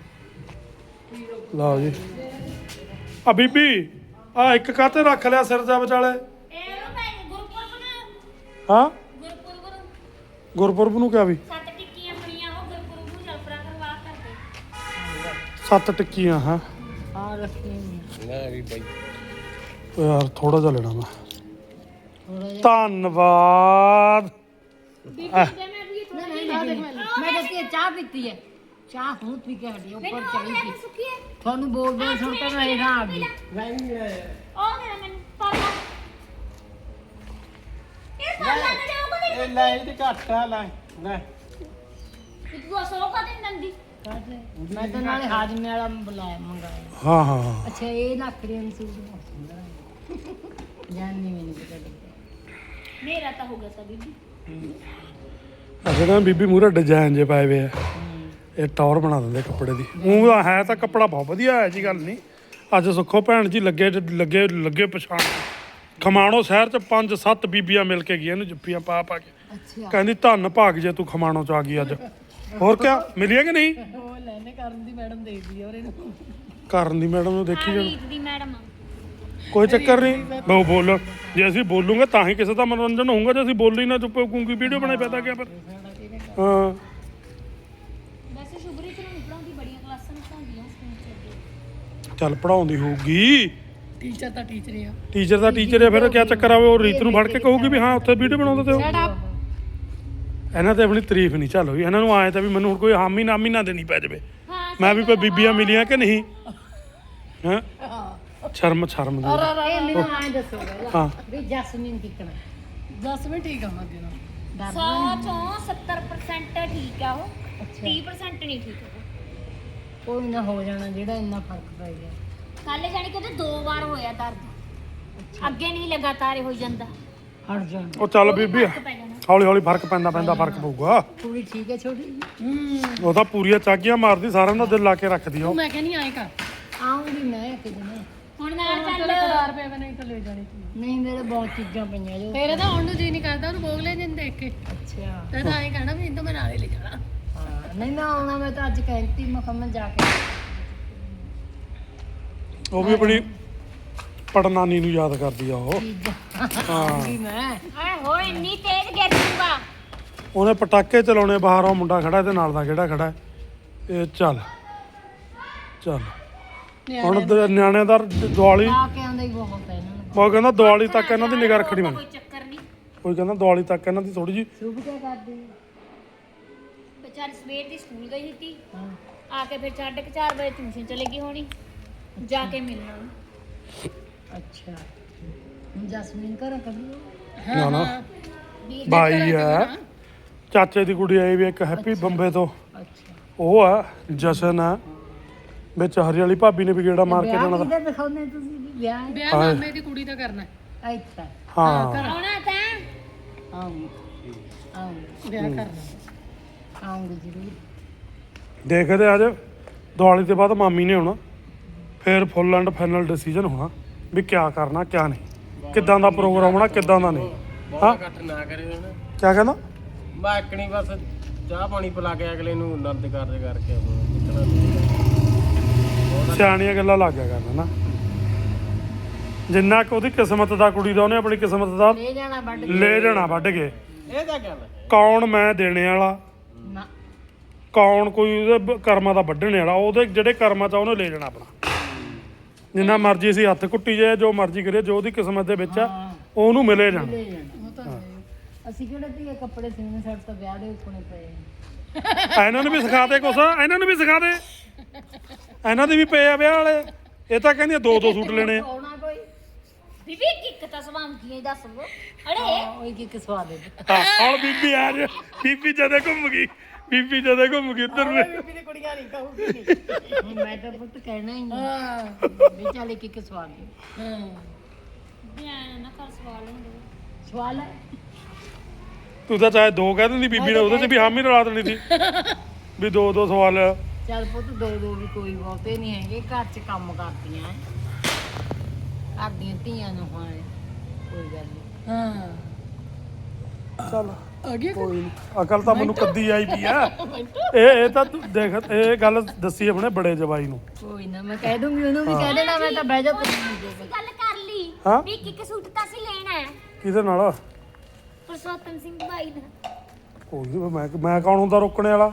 Speaker 1: ਲਓ ਜੀ ਆ ਬੀਬੀ ਆ ਇੱਕ ਕਾਤੇ ਰੱਖ ਲਿਆ ਸਿਰ ਜਾ ਵਿਚਾਲੇ
Speaker 2: ਇਹ ਉਹ ਭੈਣ ਗੁਰਪੁਰਬ ਨੂੰ
Speaker 1: ਹਾਂ
Speaker 2: ਗੁਰਪੁਰਬ ਨੂੰ
Speaker 1: ਗੁਰਪੁਰਬ ਨੂੰ ਕਿਆ ਵੀ
Speaker 2: ਸੱਤ ਟਿੱਕੀਆਂ ਬਣੀਆਂ ਉਹ ਗੁਰਪੁਰਬ ਨੂੰ ਜਲਪਰਾ ਕਰਵਾ ਕਰਦੇ
Speaker 1: ਸੱਤ ਟਿੱਕੀਆਂ ਹਾਂ
Speaker 3: ਹਾਂ ਰੱਖੀ
Speaker 5: ਮੈਂ ਵੀ ਬਾਈ
Speaker 1: ਓ ਯਾਰ ਥੋੜਾ ਜਿਹਾ ਲੈਣਾ ਮੈਂ
Speaker 3: ਥੋੜਾ ਜਿਹਾ
Speaker 1: ਧੰਨਵਾਦ
Speaker 2: ਬੀਬੀ ਦੇ ਮੈਂ ਵੀ
Speaker 6: ਮੈਂ ਦੱਸੀ ਚਾਹ ਪੀਤੀ ਹੈ ਚਾਹ ਹੁਣ ਪੀ ਕੇ ਹਟੀ ਉੱਪਰ ਚੜੀ ਸੀ
Speaker 2: ਸੁੱਕੀ ਹੈ
Speaker 6: ਤੁਹਾਨੂੰ ਬੋਲ ਬੋਲ ਸੁਣ ਕੇ ਮੈਂ ਹੇਠਾਂ ਆ ਗਈ
Speaker 5: ਨਹੀਂ ਨਹੀਂ
Speaker 2: ਉਹ ਮੇਰਾ ਮੈਨੂੰ ਪਾਲਾ ਇਹ ਪਾਲਾ ਤੇ ਜਾਓ
Speaker 5: ਇਹ ਲੈ ਇਹ ਤੇ ਘੱਟ ਆ ਲੈ ਲੈ
Speaker 2: ਕਿ ਤੂੰ ਸੌ ਕਾ ਦਿਨ ਨੰਦੀ
Speaker 6: ਮੈਂ ਤਾਂ ਨਾਲੇ ਹਾਜ਼ਮੇ ਵਾਲਾ ਬੁਲਾਇਆ ਮੰਗਾਇਆ
Speaker 1: ਹਾਂ ਹਾਂ ਹਾਂ।
Speaker 6: ਅੱਛਾ ਇਹ ਲੱਕੜੀਆਂ ਨੂੰ ਸੂਟ ਬਹੁਤ ਸੁੰਦਰ ਹੈ ਜਾਨੀ ਮੈਨੂੰ ਪਤਾ ਲੱਗਿਆ
Speaker 2: ਮੇਰਾ ਤਾਂ ਹੋ ਗਿਆ ਸਾ ਬੀਬੀ
Speaker 1: ਅਜੇ ਨਾ ਬੀਬੀ ਮੂਹਰੇ ਡਿਜ਼ਾਈਨ ਜੇ ਪਾਏ ਵੇ ਆ ਇਹ ਟੌਰ ਬਣਾ ਦਿੰਦੇ ਕੱਪੜੇ ਦੀ ਉਹ ਤਾਂ ਹੈ ਤਾਂ ਕੱਪੜਾ ਬਹੁਤ ਵਧੀਆ ਹੈ ਜੀ ਗੱਲ ਨਹੀਂ ਅੱਜ ਸੁੱਖੋ ਭੈਣ ਜੀ ਲੱਗੇ ਲੱਗੇ ਲੱਗੇ ਪਛਾਣ ਖਮਾਣੋ ਸ਼ਹਿਰ ਚ ਪੰਜ ਸੱਤ ਬੀਬੀਆਂ ਮਿਲ ਕੇ ਗਈਆਂ ਇਹਨੂੰ ਜੁੱਪੀਆਂ ਪਾ ਪਾ ਕੇ
Speaker 6: ਅੱਛਾ
Speaker 1: ਕਹਿੰਦੀ ਧੰਨ ਭਾਗ ਜੇ ਤੂੰ ਖਮਾਣੋ ਚ ਆ ਗਈ ਅੱਜ ਹੋਰ ਕਿਆ ਮਿਲੀਆਂ ਕਿ ਨਹੀਂ
Speaker 3: ਉਹ ਲੈਣੇ ਕਰਨ ਦੀ ਮੈਡਮ ਦੇਖਦੀ ਆ ਔਰ ਇਹਨੂੰ
Speaker 1: ਕਰਨ ਦੀ ਮੈਡਮ ਨੂੰ ਦੇਖੀ ਜਾਓ
Speaker 2: ਰੀਤ ਦੀ ਮੈਡਮ
Speaker 1: ਕੋਈ ਚੱਕਰ ਨਹੀਂ ਬਹੁ ਬੋਲੋ ਜੇ ਅਸੀਂ ਬੋਲੂਗੇ ਤਾਂ ਹੀ ਕਿਸੇ ਦਾ ਮਨੋਰੰਜਨ ਹੋਊਗਾ ਜੇ ਅਸੀਂ ਬੋਲੀ ਨਾ ਚੁੱਪ ਕੂੰਗੀ ਵੀਡੀਓ ਬਣਾਈ ਪੈਦਾ ਕਿਆ ਪਰ ਹਾਂ
Speaker 2: ਵੈਸੇ ਸ਼ੁਭਰੀ ਚ ਨੂੰ ਪੜਾਉਂਦੀ ਬੜੀਆਂ ਕਲਾਸਾਂ ਨੂੰ ਪੜਾਉਂਦੀਆਂ ਸਕੂਲ ਚ ਅੱਗੇ
Speaker 1: ਚੱਲ ਪੜਾਉਂਦੀ ਹੋਊਗੀ
Speaker 3: ਟੀਚਰ ਤਾਂ ਟੀਚਰ ਹੀ ਆ
Speaker 1: ਟੀਚਰ ਦਾ ਟੀਚਰ ਹੈ ਫਿਰ ਕਿਆ ਚੱਕਰ ਆਵੇ ਉਹ ਰੀਤ ਨੂੰ ਫੜ ਕੇ ਕਹੂਗੀ ਵੀ ਹਾਂ ਉੱਥੇ ਵੀਡੀਓ ਬਣਾਉਂਦੇ ਤੇ
Speaker 3: ਸ਼ਟ
Speaker 1: ਹੋ
Speaker 3: ਅਪ
Speaker 1: ਇਹਨਾਂ ਤੇ ਆਪਣੀ ਤਾਰੀਫ ਨਹੀਂ ਚੱਲ ਹੋਈ ਇਹਨਾਂ ਨੂੰ ਆਏ ਤਾਂ ਵੀ ਮੈਨੂੰ ਹੁਣ ਕੋਈ ਹਾਮੀ ਨਾਮੀ ਨਾ ਦੇਣੀ ਪੈ ਜਾਵੇ
Speaker 2: ਹਾਂ
Speaker 1: ਮੈਂ ਵੀ ਕੋਈ ਬੀਬੀਆਂ ਮਿਲੀਆਂ ਕਿ ਨਹੀਂ ਹਾਂ ਸ਼ਰਮ ਸ਼ਰਮ ਦੀ
Speaker 6: ਇਹ ਮੈਨੂੰ ਆਂ ਦੱਸੋ ਪਹਿਲਾਂ
Speaker 1: ਹਾਂ
Speaker 6: ਵੀ ਜਸਮੀਨ ਕਿੱਕਣਾ
Speaker 3: ਜਸਮੀਨ ਠੀਕ ਆ ਮੱਗੇ ਨਾਲ
Speaker 2: ਸੌ ਚੋਂ ਸੱਤਰ ਪ੍ਰਸੈਂਟ ਠੀਕ ਆ ਉਹ ਤੀਹ ਪ੍ਰਸੈਂਟ ਨਹੀਂ ਠੀਕ ਉਹ
Speaker 6: ਕੋਈ ਨਾ ਹੋ ਜਾਣਾ ਜਿਹੜਾ ਇੰਨਾ ਫਰਕ ਪੈ ਗਿਆ
Speaker 2: ਕੱਲ ਜਾਣੀ ਕਿ ਉਹਦੇ ਦੋ ਵਾਰ ਹੋਇਆ ਦਰਦ ਅੱਗੇ ਨਹੀਂ ਲਗਾਤਾਰ ਹੋ ਜਾਂਦਾ
Speaker 6: ਹਟ ਜਾਣਾ
Speaker 1: ਉਹ ਚੱਲ ਬੀਬੀ
Speaker 2: ਫਰਕ ਪੈ ਜਾਣਾ
Speaker 1: ਹੌਲੀ ਹੌਲੀ ਫਰਕ ਪੈਂਦਾ ਪੈਂਦਾ ਫਰਕ ਪਊਗਾ
Speaker 6: ਕੁੜੀ ਠੀਕ ਹੈ ਛੋਟੀ ਜੀ
Speaker 1: ਉਹ ਤਾਂ ਪੂਰੀਆਂ ਚਾਗੀਆਂ ਮਾਰਦੀ ਸਾਰਿਆਂ ਦਾ ਦਿਲ ਲਾ ਕੇ ਰੱਖਦੀ ਆ ਉਹ
Speaker 3: ਮੈਂ ਕਹਿੰਦੀ ਆਏ ਕਰ
Speaker 6: ਆਉਂਗੀ ਮੈਂ ਕਿਤੇ ਨਾ
Speaker 2: ਹੁਣ ਨਾਲ
Speaker 3: ਚੱਲ
Speaker 2: ਚੱਲ
Speaker 3: ਕਰਾਰ ਪਿਆ ਨਹੀਂ ਤਾਂ ਲੈ ਜਾਣੀ ਸੀ
Speaker 6: ਨਹੀਂ ਮੇਰੇ ਬਹੁਤ ਚੀਜ਼ਾਂ ਪਈਆਂ ਜੋ
Speaker 3: ਤੇਰੇ ਤਾਂ ਹੁਣ ਨੂੰ ਜੀ ਨਹੀਂ ਕਰਦਾ ਉਹਨੂੰ ਬੋਗ ਲੈ ਜਿੰਨ ਦੇਖ ਕੇ
Speaker 6: ਅੱਛਾ
Speaker 3: ਤੇ ਤਾਂ ਐਂ ਕਹਿਣਾ ਵੀ ਇਹਨੂੰ ਮੈਂ ਨਾਲੇ ਲੈ ਜਾਣਾ
Speaker 6: ਹਾਂ ਨਹੀਂ ਮੈਂ ਆਉਣਾ ਮੈਂ ਤਾਂ ਅੱਜ ਕਹਿੰਦੀ ਮੈਂ ਕਿਹਾ ਮੈਂ ਜਾ ਕੇ
Speaker 1: ਉਹ ਵੀ ਆਪਣੀ ਪੜਨਾਨੀ ਨੂੰ ਯਾਦ ਕਰਦੀ ਆ ਉਹ
Speaker 6: ਚੀਜ਼ਾਂ ਆਉਂਗੀ ਮੈਂ
Speaker 2: ਆਏ ਹੋਏ ਇੰਨੀ ਤੇਜ਼ ਗਿਰ ਜੂਗਾ
Speaker 1: ਉਹਨੇ ਪਟਾਕੇ ਚਲਾਉਣੇ ਬਾਹਰ ਉਹ ਮੁੰਡਾ ਖੜਾ ਤੇ ਨਾਲ ਦਾ ਕਿਹੜਾ ਖੜਾ ਹੈ? ਇਹ ਚੱਲ ਚੱਲ ਹੁਣ ਦ- ਨਿਆਣਿਆਂ ਦਾ ਦੀਵਾਲੀ
Speaker 6: ਆ ਕੇ ਆਉਂਦਾ ਹੀ ਬਹੁਤ ਹੈ ਇਹਨਾਂ ਨੂੰ
Speaker 1: ਉਹ ਕਹਿੰਦਾ ਦੀਵਾਲੀ ਤੱਕ ਇਹਨਾਂ ਦੀ ਨਿਗਾਹ ਰੱਖਣੀ ਮੈਂ
Speaker 2: ਕੋਈ ਚੱਕਰ ਨਹੀਂ
Speaker 1: ਕੋਈ ਕਹਿੰਦਾ ਦੀਵਾਲੀ ਤੱਕ ਇਹਨਾਂ ਦੀ ਥੋੜੀ ਜੀ
Speaker 6: ਸ਼ੁਭ ਕਿਆ ਕਰਦੀ ਹੈ?
Speaker 2: ਵਿਚਾਰੀ ਸਵੇਰ ਦੀ ਸਕੂਲ ਗਈ ਸੀ
Speaker 6: ਹਾਂ
Speaker 2: ਆ ਕੇ ਫਿਰ ਸਾਢੇ ਕੁ ਚਾਰ ਵਜੇ ਟਿਊਸ਼ਨ ਚਲੇ ਗਈ ਹੋਣੀ ਜਾ ਕੇ ਮਿਲਣਾ ਉਹਨੂੰ।
Speaker 6: ਅੱਛਾ ਹੁਣ ਜਸਮੀਨ ਘਰ ਕਰੀ
Speaker 1: ਨਾ ਨਾ
Speaker 2: ਵੀਰ
Speaker 1: ਬਾਈ ਆ ਚਾਚੇ ਦੀ ਕੁੜੀ ਆਈ ਵੀ ਇੱਕ ਹੈਪੀ ਬੰਬੇ ਤੋਂ
Speaker 6: ਅੱਛਾ
Speaker 1: ਉਹ ਆ ਜਸ਼ਨ ਆ ਵਿੱਚ ਹਰੀ ਵਾਲੀ ਭਾਬੀ ਨੇ ਵੀ ਗੇੜਾ ਮਾਰ ਕੇ
Speaker 6: ਵਿਆਹ
Speaker 1: ਜਾਣਾ
Speaker 6: ਕਿਹਦੇ ਦਿਖਾਉਂਦੇ ਤੁਸੀਂ ਵੀ ਵਿਆਹ ਹੈ?
Speaker 3: ਵਿਆਹ ਮਾਮੇ ਦੀ ਕੁੜੀ ਦਾ ਕਰਨਾ ਹੈ।
Speaker 6: ਇੱਥੇ
Speaker 1: ਹਾਂ
Speaker 2: ਆਉਣਾ ਤਾਂ
Speaker 6: ਆਉਂਗੀ ਆਉਂਗੀ
Speaker 3: ਵਿਆਹ ਕਰਨਾ
Speaker 6: ਆਉਂਗੀ ਜ਼ਰੂਰ
Speaker 1: ਦੇਖਦੇ ਅੱਜ ਦੀਵਾਲੀ ਤੋਂ ਬਾਅਦ ਮਾਮੀ ਨੇ ਆਉਣਾ ਫਿਰ ਫੁੱਲ ਐਂਡ ਫਾਈਨਲ ਡਿਸੀਜਨ ਹੋਣਾ ਵੀ ਕਿਆ ਕਰਨਾ ਕਿਆ ਨਹੀਂ ਕਿੱਦਾਂ ਦਾ ਪ੍ਰੋਗਰਾਮ ਹੋਣਾ ਕਿੱਦਾਂ ਦਾ ਨਹੀਂ ਹਾਂ
Speaker 5: ਘੱਟ ਨਾ ਕਰੇ ਹੁਣ
Speaker 1: ਕਿਆ ਕਹਿੰਦਾ
Speaker 5: ਬਾਕਣੀ ਬਸ ਚਾਹ ਪਾਣੀ ਪਿਲਾ ਕੇ ਅਗਲੇ ਨੂੰ ਆਨੰਦ ਕਾਰਜ ਕਰਕੇ ਨਿਕਲਣਾ
Speaker 1: ਸਿਆਣੀਆਂ ਗੱਲਾਂ ਲੱਗ ਗਿਆ ਕਰਨ ਨਾ ਜਿੰਨਾ ਕੁ ਉਹਦੀ ਕਿਸਮਤ ਦਾ ਕੁੜੀ ਦਾ ਉਹਨੇ ਆਪਣੀ ਕਿਸਮਤ ਦਾ
Speaker 6: ਲੈ ਜਾਣਾ ਵੱਢ ਕੇ।
Speaker 1: ਲੈ ਜਾਣਾ ਵੱਢ ਕੇ
Speaker 5: ਇਹ ਤਾਂ ਗੱਲ ਹੈ
Speaker 1: ਕੌਣ ਮੈਂ ਦੇਣੇ ਵਾਲਾ
Speaker 6: ਨਾ
Speaker 1: ਕੌਣ ਕੋਈ ਉਹਦੇ ਬ- ਕਰਮਾਂ ਦਾ ਵੱਢਣੇ ਵਾਲਾ ਉਹਦੇ ਜਿਹੜੇ ਕਰਮਾਂ ਚ ਆ ਉਹਨੇ ਲੈ ਜਾਣਾ ਆਪਣਾ ਜਿੰਨਾ ਮਰਜ਼ੀ ਅਸੀਂ ਹੱਥ ਕੁੱਟੀ ਜਾਏ ਜੋ ਮਰਜ਼ੀ ਕਰੀਏ ਜੋ ਉਹਦੀ ਕਿਸਮਤ ਦੇ ਵਿੱਚ ਆ ਉਹਨੂੰ ਮਿਲੇ ਜਾਣਾ
Speaker 6: ਲੈ ਜਾਣਾ
Speaker 3: ਉਹ ਤਾਂ ਹੈ।
Speaker 6: ਅਸੀਂ ਕਿਹੜੇ ਧੀਏ ਕੱਪੜੇ ਸੀਨੇ ਸਾਡੇ ਤਾਂ ਵਿਆਹ ਦੇ ਉੱਪਣੇ ਪਏ ਆ।
Speaker 1: ਇਹਨਾਂ ਨੂੰ ਵੀ ਸਿਖਾ ਦੇ ਕੁਛ ਇਹਨਾਂ ਨੂੰ ਵੀ ਸਿਖਾ ਦੇ ਇਹਨਾਂ ਦੇ ਵੀ ਪਏ ਆ ਵਿਆਹ ਵਾਲੇ ਇਹ ਤਾਂ ਕਹਿੰਦੀਆਂ ਦੋ ਦੋ ਸੂਟ ਲੈਣੇ ਆ
Speaker 6: ਆਉਣਾ ਕੋਈ
Speaker 2: ਬੀਬੀ ਕਿੱਕ ਤਾਂ ਸਵਾਮ ਕੀ ਦੱਸ ਉਹ ਅੜੇ
Speaker 6: ਹਾਂ, ਉਹ ਕੀ ਕਿਸਵਾ ਦੇ
Speaker 1: ਹਾਂ, ਹੁਣ ਬੀਬੀ ਆ ਜੇ ਬੀਬੀ ਜਦੇ ਘੁੰਮ ਗਈ ਬੀਬੀ ਜਦੇ ਘੁੰਮ ਗਈ ਇੱਧਰ ਨੂੰ
Speaker 3: ਬੀਬੀ ਦੀ ਕੁੜੀਆਂ ਨਹੀਂ ਕਹੂਗੀ
Speaker 6: ਮੈਂ ਤਾਂ ਪੁੱਤ ਕਹਿਣਾ ਹੀ ਨਹੀਂ
Speaker 3: ਹਾਂ
Speaker 6: ਵੀ ਚੱਲ ਕੀ ਕਿਸਵਾ ਦੇ
Speaker 3: ਹਾਂ
Speaker 2: ਧਿਆਨ ਨਾ ਕਰ ਸਵਾਲ ਹੁੰਦੇ
Speaker 6: ਸਵਾਲ ਹੈ
Speaker 1: ਤੂੰ ਤਾਂ ਚਾਹੇ ਦੋ ਕਹਿ ਦਿੰਦੀ ਬੀਬੀ ਨੇ ਉਹਦੇ 'ਚ ਵੀ ਹਾਮੀ ਰਲਾ ਦੇਣੀ ਸੀ ਵੀ ਦੋ ਦੋ ਸਵਾਲ ਆ।
Speaker 6: ਚੱਲ ਪੁੱਤ ਦੋ ਦੋ ਵੀ ਕੋਈ ਬਹੁਤੇ ਨਹੀਂ ਹੈਗੇ ਘਰ 'ਚ ਕੰਮ ਕਰਦੀਆਂ ਐ। ਘਰ ਦੀਆਂ ਧੀਆਂ ਨੂੰ ਹਾਂ ਕੋਈ ਗੱਲ ਨਹੀਂ
Speaker 3: ਹਾਂ
Speaker 1: ਚੱਲ
Speaker 3: ਆ ਗਿਆ
Speaker 1: ਕੋਈ ਨੀ ਅਕਲ ਤਾਂ ਮੈਨੂੰ ਕੱਦੀ ਆਈ ਪਈ ਆ ਇਹ ਇਹ ਤਾਂ ਤੂੰ ਦੇਖ ਇਹ ਗੱਲ ਦੱਸੀ ਆਪਣੇ ਬੜੇ ਜਵਾਈ ਨੂੰ
Speaker 6: ਕੋਈ ਨਾ ਮੈਂ ਕਹਿ ਦੂੰਗੀ ਉਹਨੂੰ ਵੀ ਕਹਿ ਦੇਣਾ ਮੈਂ ਤਾਂ ਬਹਿ ਜਾ ਤੂੰ
Speaker 2: ਗੱਲ ਕਰ ਲਈ
Speaker 1: ਹਾਂ
Speaker 2: ਵੀ ਕਿੱਕ ਸੂਟ ਤਾਂ ਅਸੀਂ ਲੈਣਾ ਹੈ
Speaker 1: ਕਿਹਦੇ ਨਾਲ
Speaker 2: ਪੁਰਸ਼ੋਤਮ ਸਿੰਘ ਭਾਈ ਦਾ
Speaker 1: ਕੋਈ ਨੀ ਮੈਂ ਮੈਂ ਕੌਣ ਹੁੰਦਾ ਰੋਕਣੇ ਵਾਲਾ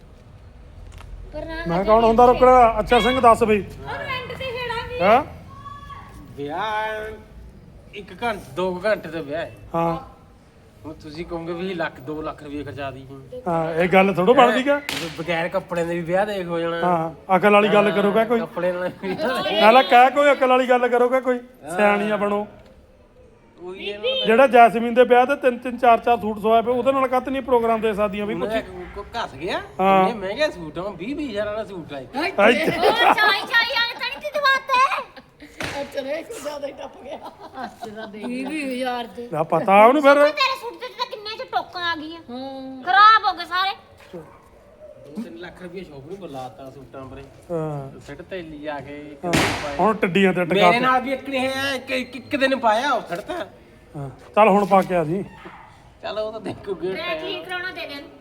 Speaker 2: ਪਰ ਨਾ
Speaker 1: ਮੈਂ ਕੌਣ ਹੁੰਦਾ ਰੋਕਣ ਵਾਲਾ ਅੱਛਾ ਸਿੰਘ ਦੱਸ ਬਈ
Speaker 2: ਔਰ ਰੈਂਟ ਤੇ ਖੇੜਾ ਵੀ
Speaker 1: ਹਾਂ
Speaker 5: ਵਿਆਹ ਇੱਕ ਘੰਟੇ ਦੋ ਕੁ ਘੰਟੇ ਦਾ ਵਿਆਹ ਹੈ
Speaker 1: ਹਾਂ
Speaker 5: ਹੁਣ ਤੁਸੀਂ ਕਹੋਗੇ ਵੀ ਲੱਖ ਦੋ ਲੱਖ ਰੁਪਏ ਖਰਚਾ ਦੀ
Speaker 1: ਹਾਂ ਇਹ ਗੱਲ ਥੋੜੋ ਬਣਦੀ ਕਾ
Speaker 5: ਬਗੈਰ ਕੱਪੜਿਆਂ ਦੇ ਵੀ ਵਿਆਹ ਦੇਖ ਹੋ ਜਾਣਾ
Speaker 1: ਹਾਂ ਅਕਲ ਵਾਲੀ ਗੱਲ ਕਰੋਗਾ ਕੋਈ
Speaker 5: ਕੱਪੜੇ ਨਾਲ ਵੀ
Speaker 1: ਨਾਲੇ ਕਹਿ ਕੋਈ ਅਕਲ ਵਾਲੀ ਗੱਲ ਕਰੋਗਾ ਕੋਈ ਸਿਆਣੀਆਂ ਬਣੋ
Speaker 5: ਉਹੀ ਹੈ
Speaker 1: ਜਿਹੜਾ ਜੈਸਮੀਨ ਦੇ ਵਿਆਹ ਤੇ ਤਿੰਨ ਤਿੰਨ ਚਾਰ ਚਾਰ ਸੂਟ ਸਵਾਏ ਪਏ ਉਹਦੇ ਨਾਲ ਕੱਤ ਨਹੀਂ ਪ੍ਰੋਗਰਾਮ ਦੇ ਸਕਦੀਆਂ ਵੀ ਕੁਛ
Speaker 5: ਕੋ ਘਸ ਗਿਆ
Speaker 1: ਹਾਂ।
Speaker 5: ਇੰਨੇ ਮਹਿੰਗੇ ਸੂਟ ਆ ਵੀਹ ਵੀਹ ਹਜ਼ਾਰ ਵਾਲਾ ਸੂਟ ਆ ਇੱਕ।
Speaker 1: ਆਈ
Speaker 2: ਉਹ ਚਾਈ ਚਾਈ ਵਾਲੇ ਤਾਂ ਨਹੀਂ ਤੇ ਦਵਾਤੇ
Speaker 3: ਚਲੇ ਕੁ ਜ਼ਿਆਦਾ ਹੀ ਟੱਪ ਗਿਆ
Speaker 6: ਅੱਛਾ ਦੇ ਵੀਹ ਹਜ਼ਾਰ ਤੇ
Speaker 1: ਨਾ ਪਤਾ ਉਹਨੂੰ ਫਿਰ
Speaker 2: ਤੇਰੇ ਸੂਟ ਤੇ ਤਾਂ ਕਿੰਨੇ ਚ ਟੋਕਾਂ ਆ ਗਈਆਂ ਖਰਾਬ ਹੋ ਗਏ ਸਾਰੇ
Speaker 5: ਦੋ ਤਿੰਨ ਲੱਖ ਰੁਪਏ ਸ਼ੋਪ ਨੂੰ ਬੁਲਾਤਾ ਸੂਟਾਂ ਪਰੇ
Speaker 1: ਹਾਂ
Speaker 5: ਸਿੱਟ ਤੇ ਲਈ ਜਾ ਕੇ ਇੱਕ
Speaker 1: ਹਾਂ।
Speaker 5: ਦਿਨ ਪਾਏ।
Speaker 1: ਹੁਣ ਟੱਡੀਆਂ ਤੇ ਟਕਾ
Speaker 5: ਮੇਰੇ ਨਾਲ ਵੀ ਇੱਕ ਨੇ ਹੈ ਇੱਕ ਇੱਕ- ਇੱਕ ਦਿਨ ਪਾਇਆ ਉਹ ਸਿੱਟਤਾ
Speaker 1: ਹਾਂ ਚੱਲ ਹੁਣ ਪਾ ਕੇ ਆ ਜੀ
Speaker 5: ਚਲ ਉਹ ਤਾਂ ਦੇਖੋਗੇ
Speaker 2: ਮੈਂ ਠੀਕ ਕਰਾਉਣਾ ਦੇ ਦੇਣ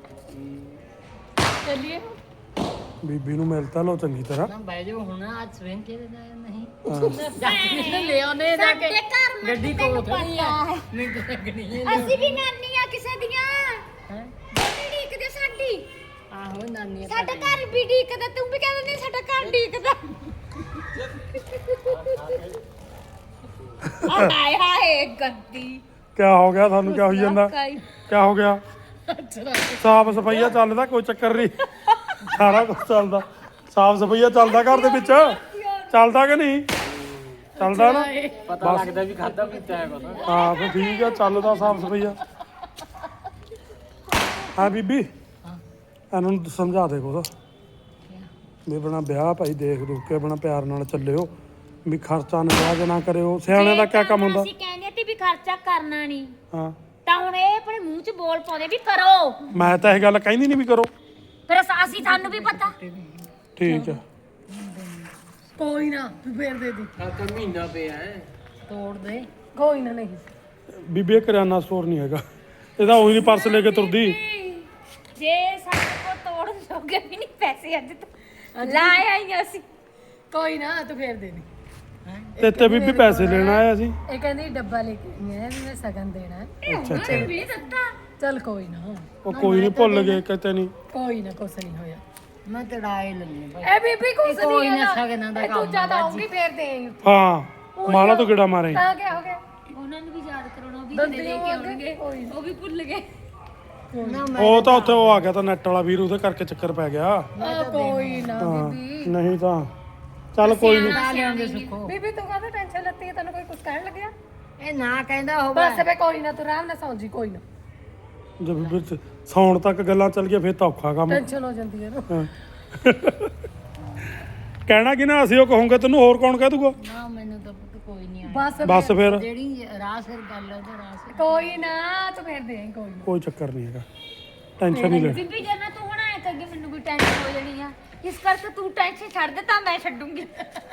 Speaker 3: ਚੱਲੀਏ
Speaker 1: ਬੀਬੀ ਨੂੰ ਮਿਲਤਾ ਲੋ ਚੰਗੀ ਤਰ੍ਹਾਂ
Speaker 6: ਨਾ ਬਹਿ ਜਾਓ ਹੁਣ ਅੱਜ ਸਵੇਰ ਕੇ ਨਹੀਂ
Speaker 1: ਹਾਂ।
Speaker 6: ਲੈ ਆਉਨੇ ਜਾ ਕੇ
Speaker 2: ਸਾਡੇ ਘਰ ਮੈਂ
Speaker 6: ਗੱਡੀ
Speaker 2: ਤੈਨੂੰ
Speaker 6: ਕੋਲ ਖੜੀ ਆ
Speaker 2: ਪਤਾ ਹੈ।
Speaker 6: ਨਹੀਂ ਲੱਗਣੀ ਹੈ
Speaker 2: ਅਸੀਂ ਵੀ ਨਾਨੀ ਆ ਕਿਸੇ ਦੀਆਂ
Speaker 6: ਹੈਂ?
Speaker 2: ਦੋਨੇ ਢੀਕਦੇ ਸਾਡੀ
Speaker 6: ਆਹੋ ਨਾਨੀ
Speaker 2: ਸਾਡਾ ਘਰ ਵੀ ਢੀਕਦਾ ਤੂੰ ਵੀ ਕਹਿੰਦਾ ਨਹੀਂ ਸਾਡਾ ਘਰ ਢੀਕਦਾ ਹਾਏ ਹਾਏ ਗੰਦੀ
Speaker 1: ਕਿਆ ਹੋ ਗਿਆ ਤੁਹਾਨੂੰ ਕਿਆ ਹੋਈ ਜਾਂਦਾ
Speaker 2: ਕਾਈ
Speaker 1: ਕਿਆ ਹੋ ਗਿਆ ਸਾਫ ਸਫਾਈਆ ਚੱਲਦਾ ਕੋਈ ਚੱਕਰ ਨਹੀਂ ਸਾਰਾ ਕੁਝ ਚੱਲਦਾ ਸਾਫ ਸਫਾਈਆ ਚੱਲਦਾ ਘਰ ਦੇ ਵਿੱਚ ਚੱਲਦਾ ਕਿ ਨਹੀਂ ਚੱਲਦਾ ਨਾ
Speaker 5: ਪਤਾ ਲੱਗਦਾ ਵੀ ਖਾਦਾ ਪੀਤਾ ਹੈ ਕੁਛ
Speaker 1: ਹਾਂ ਫਿਰ ਠੀਕ ਆ ਚੱਲਦਾ ਸਾਫ ਸਫਾਈਆ ਹਾਂ ਬੀਬੀ ਇਹਨਾਂ ਨੂੰ ਸਮਝਾ ਦੇ ਕੁਛ ਵੀ ਬਣਾ ਵਿਆਹ ਭਾਈ ਦੇਖ ਦੂਖ ਕੇ ਬਣਾ ਪਿਆਰ ਨਾਲ ਚੱਲਿਓ ਵੀ ਖਰਚਾ ਨਿਆਜ ਨਾ ਕਰਿਓ ਸਿਆਣੇ ਦਾ ਕਿਆ ਕੰਮ ਹੁੰਦਾ
Speaker 2: ਅਸੀਂ ਕਹਿੰਦੇ ਤੇ ਵੀ ਖਰਚਾ ਕਰਨਾ ਨਹੀਂ
Speaker 1: ਹਾਂ
Speaker 2: ਤਾਂ ਹੁਣ ਇਹ ਆਪਣੇ ਮੂੰਹ 'ਚ ਬੋਲ ਪਾਉਂਦੇ ਵੀ ਕਰੋ
Speaker 1: ਮੈਂ ਤਾਂ ਇਹ ਗੱਲ ਕਹਿੰਦੀ ਨਹੀਂ ਵੀ ਕਰੋ
Speaker 2: ਫਿਰ ਅਸ- ਅਸੀਂ ਸਾਨੂੰ ਵੀ ਪਤਾ
Speaker 1: ਠੀਕ ਆ
Speaker 3: ਕੋਈ ਨਾ ਤੂੰ ਫੇਰ ਦੇ ਦੀ
Speaker 5: ਆ ਤਾਂ ਮਹੀਨਾ ਪਿਆ ਹੈ
Speaker 6: ਤੋੜ ਦੇ
Speaker 3: ਕੋਈ ਨਾ ਨਹੀਂ
Speaker 1: ਬੀਬੀ ਇਹ ਕਰਿਆਨਾ ਸਟੋਰ ਨਹੀਂ ਹੈਗਾ ਇਹਦਾ ਉਹੀ ਨਹੀਂ ਪਰਸ ਲੈ ਕੇ ਤੁਰਦੀ
Speaker 2: ਜੇ ਸਾਡੇ ਕੋਲ ਤੋੜਨ ਜੋਗੇ ਵੀ ਨਹੀਂ ਪੈਸੇ ਅੱਜ ਤੱਕ ਲਾਏ ਆਈਆਂ ਅਸੀਂ
Speaker 3: ਕੋਈ ਨਾ ਤੂੰ ਫੇਰ ਦੇ ਦੀ
Speaker 1: ਤੇ ਤੇ ਬੀਬੀ ਪੈਸੇ ਲੈਣ ਆਇਆ ਸੀ
Speaker 3: ਇਹ ਕਹਿੰਦੀ ਡੱਬਾ ਲੈ ਕੇ ਆਈ ਹੈ ਵੀ ਮੈਂ ਸਗਨ ਦੇਣਾ ਹੈ।
Speaker 1: ਅੱਛਾ ਅੱਛਾ
Speaker 2: ਵੀ ਦਿੱਤਾ
Speaker 3: ਚੱਲ ਕੋਈ ਨਾ
Speaker 1: ਉਹ ਕੋਈ ਨਹੀਂ ਭੁੱਲ ਗਏ ਕਿਤੇ ਨਹੀਂ
Speaker 3: ਕੋਈ ਨਾ ਕੁਛ ਨਹੀਂ ਹੋਇਆ
Speaker 6: ਮੈਂ ਤੜਾਏ ਲੈਣੀ ਭਾਈ
Speaker 3: ਇਹ ਬੀਬੀ ਕੁਛ ਨਹੀਂ
Speaker 6: ਕੋਈ ਨਾ
Speaker 3: ਹੈਗਾ।
Speaker 6: ਸਗਨਾਂ ਦਾ
Speaker 3: ਇਹ
Speaker 6: ਕੰਮ
Speaker 3: ਤੂੰ ਜਿਆਦਾ
Speaker 6: ਹੁੰਦਾ
Speaker 3: ਆਉਂਗੀ ਫੇਰ ਦੇ ਆਈ
Speaker 1: ਹਾਂ ਮਾਲਾ ਤੋਂ ਕਿਹੜਾ ਮਾਰੇ
Speaker 3: ਤਾਂ ਕਿਆ ਹੋ ਗਿਆ
Speaker 2: ਉਹਨਾਂ ਨੂੰ ਵੀ ਯਾਦ ਕਰਾਉਣਾ ਉਹ ਵੀ
Speaker 3: ਦੰਦੀ
Speaker 2: ਲੈ ਕੇ ਆਉਣਗੇ
Speaker 3: ਕੋਈ
Speaker 2: ਉਹ ਵੀ ਭੁੱਲ ਗਏ
Speaker 6: ਨਾ
Speaker 1: ਉਹ ਤਾਂ ਉੱਥੇ ਉਹ ਆ ਗਿਆ ਤਾਂ ਨੈਟ ਵਾਲਾ ਵੀਰ ਉਹਦੇ ਕਰਕੇ ਚੱਕਰ ਪੈ ਗਿਆ
Speaker 3: ਆ ਕੋਈ ਨਾ
Speaker 1: ਹਾਂ
Speaker 3: ਬੀਬੀ
Speaker 1: ਨਹੀਂ ਤਾਂ ਚੱਲ ਕੋਈ ਨਹੀਂ
Speaker 6: ਨਾ ਲਿਆਉਂਦੇ ਸੁੱਖੋ
Speaker 3: ਬੀਬੀ ਤੂੰ ਕਾਹਦਾ ਟੈਨਸ਼ਨ ਲੱਤੀ ਹੈ ਤੈਨੂੰ ਕੋਈ ਕੁਝ ਕਹਿਣ ਲੱਗਿਆ
Speaker 6: ਇਹ ਨਾ ਕਹਿੰਦਾ ਹੋਵੇ
Speaker 3: ਬਸ ਵੇ ਕੋਈ ਨਾ ਤੂੰ ਆਰਾਮ ਨਾਲ ਸੌਂ ਜੀ ਕੋਈ ਨਾ
Speaker 1: ਜੇ ਬੀਬੀ ਚ ਸੌਣ ਤੱਕ ਗੱਲਾਂ ਚੱਲ ਗਿਆ ਫਿਰ ਤਾਂ ਔਖਾ ਕੰਮ
Speaker 3: ਟੈਨਸ਼ਨ ਹੋ ਜਾਂਦੀ ਹੈ ਨਾ
Speaker 1: ਹਾਂ। ਕਹਿਣਾ ਕਿ ਨਾ ਅਸੀਂ ਉਹ ਕਹੋਗੇ ਤੈਨੂੰ ਹੋਰ ਕੌਣ ਕਹਿ ਦੂਗਾ
Speaker 6: ਨਾ ਮੈਨੂੰ ਤਾਂ ਪੁੱਤ ਕੋਈ ਨਹੀਂ ਆਇਆ
Speaker 3: ਬਸ
Speaker 1: ਬਸ ਫਿਰ
Speaker 6: ਜਿਹੜੀ ਰਾਹ ਸਿਰ ਗੱਲ ਹੈ ਉਹਦਾ ਰਾਹ ਸਿਰ
Speaker 3: ਕੋਈ ਨਾ ਤੂੰ ਫੇਰ ਦੇ ਆਈ ਕੋਈ ਨਾ
Speaker 1: ਕੋਈ ਚੱਕਰ ਨਹੀਂ ਹੈਗਾ ਟੈਨਸ਼ਨ ਨਹੀਂ ਲੈ
Speaker 2: ਬੀਬੀ ਜੇ ਨਾ ਤੂੰ ਹੁਣ ਆਏ ਕਿ ਮੈਨੂੰ ਵੀ ਟੈਨਸ਼ਨ ਹੋ ਜਾਣੀ ਆ ਇਸ ਕਰਕੇ ਤੂੰ ਟੈਨਸ਼ਨ ਛੱਡ ਦੇ ਤਾਂ ਮੈਂ ਛੱਡੂੰਗੀ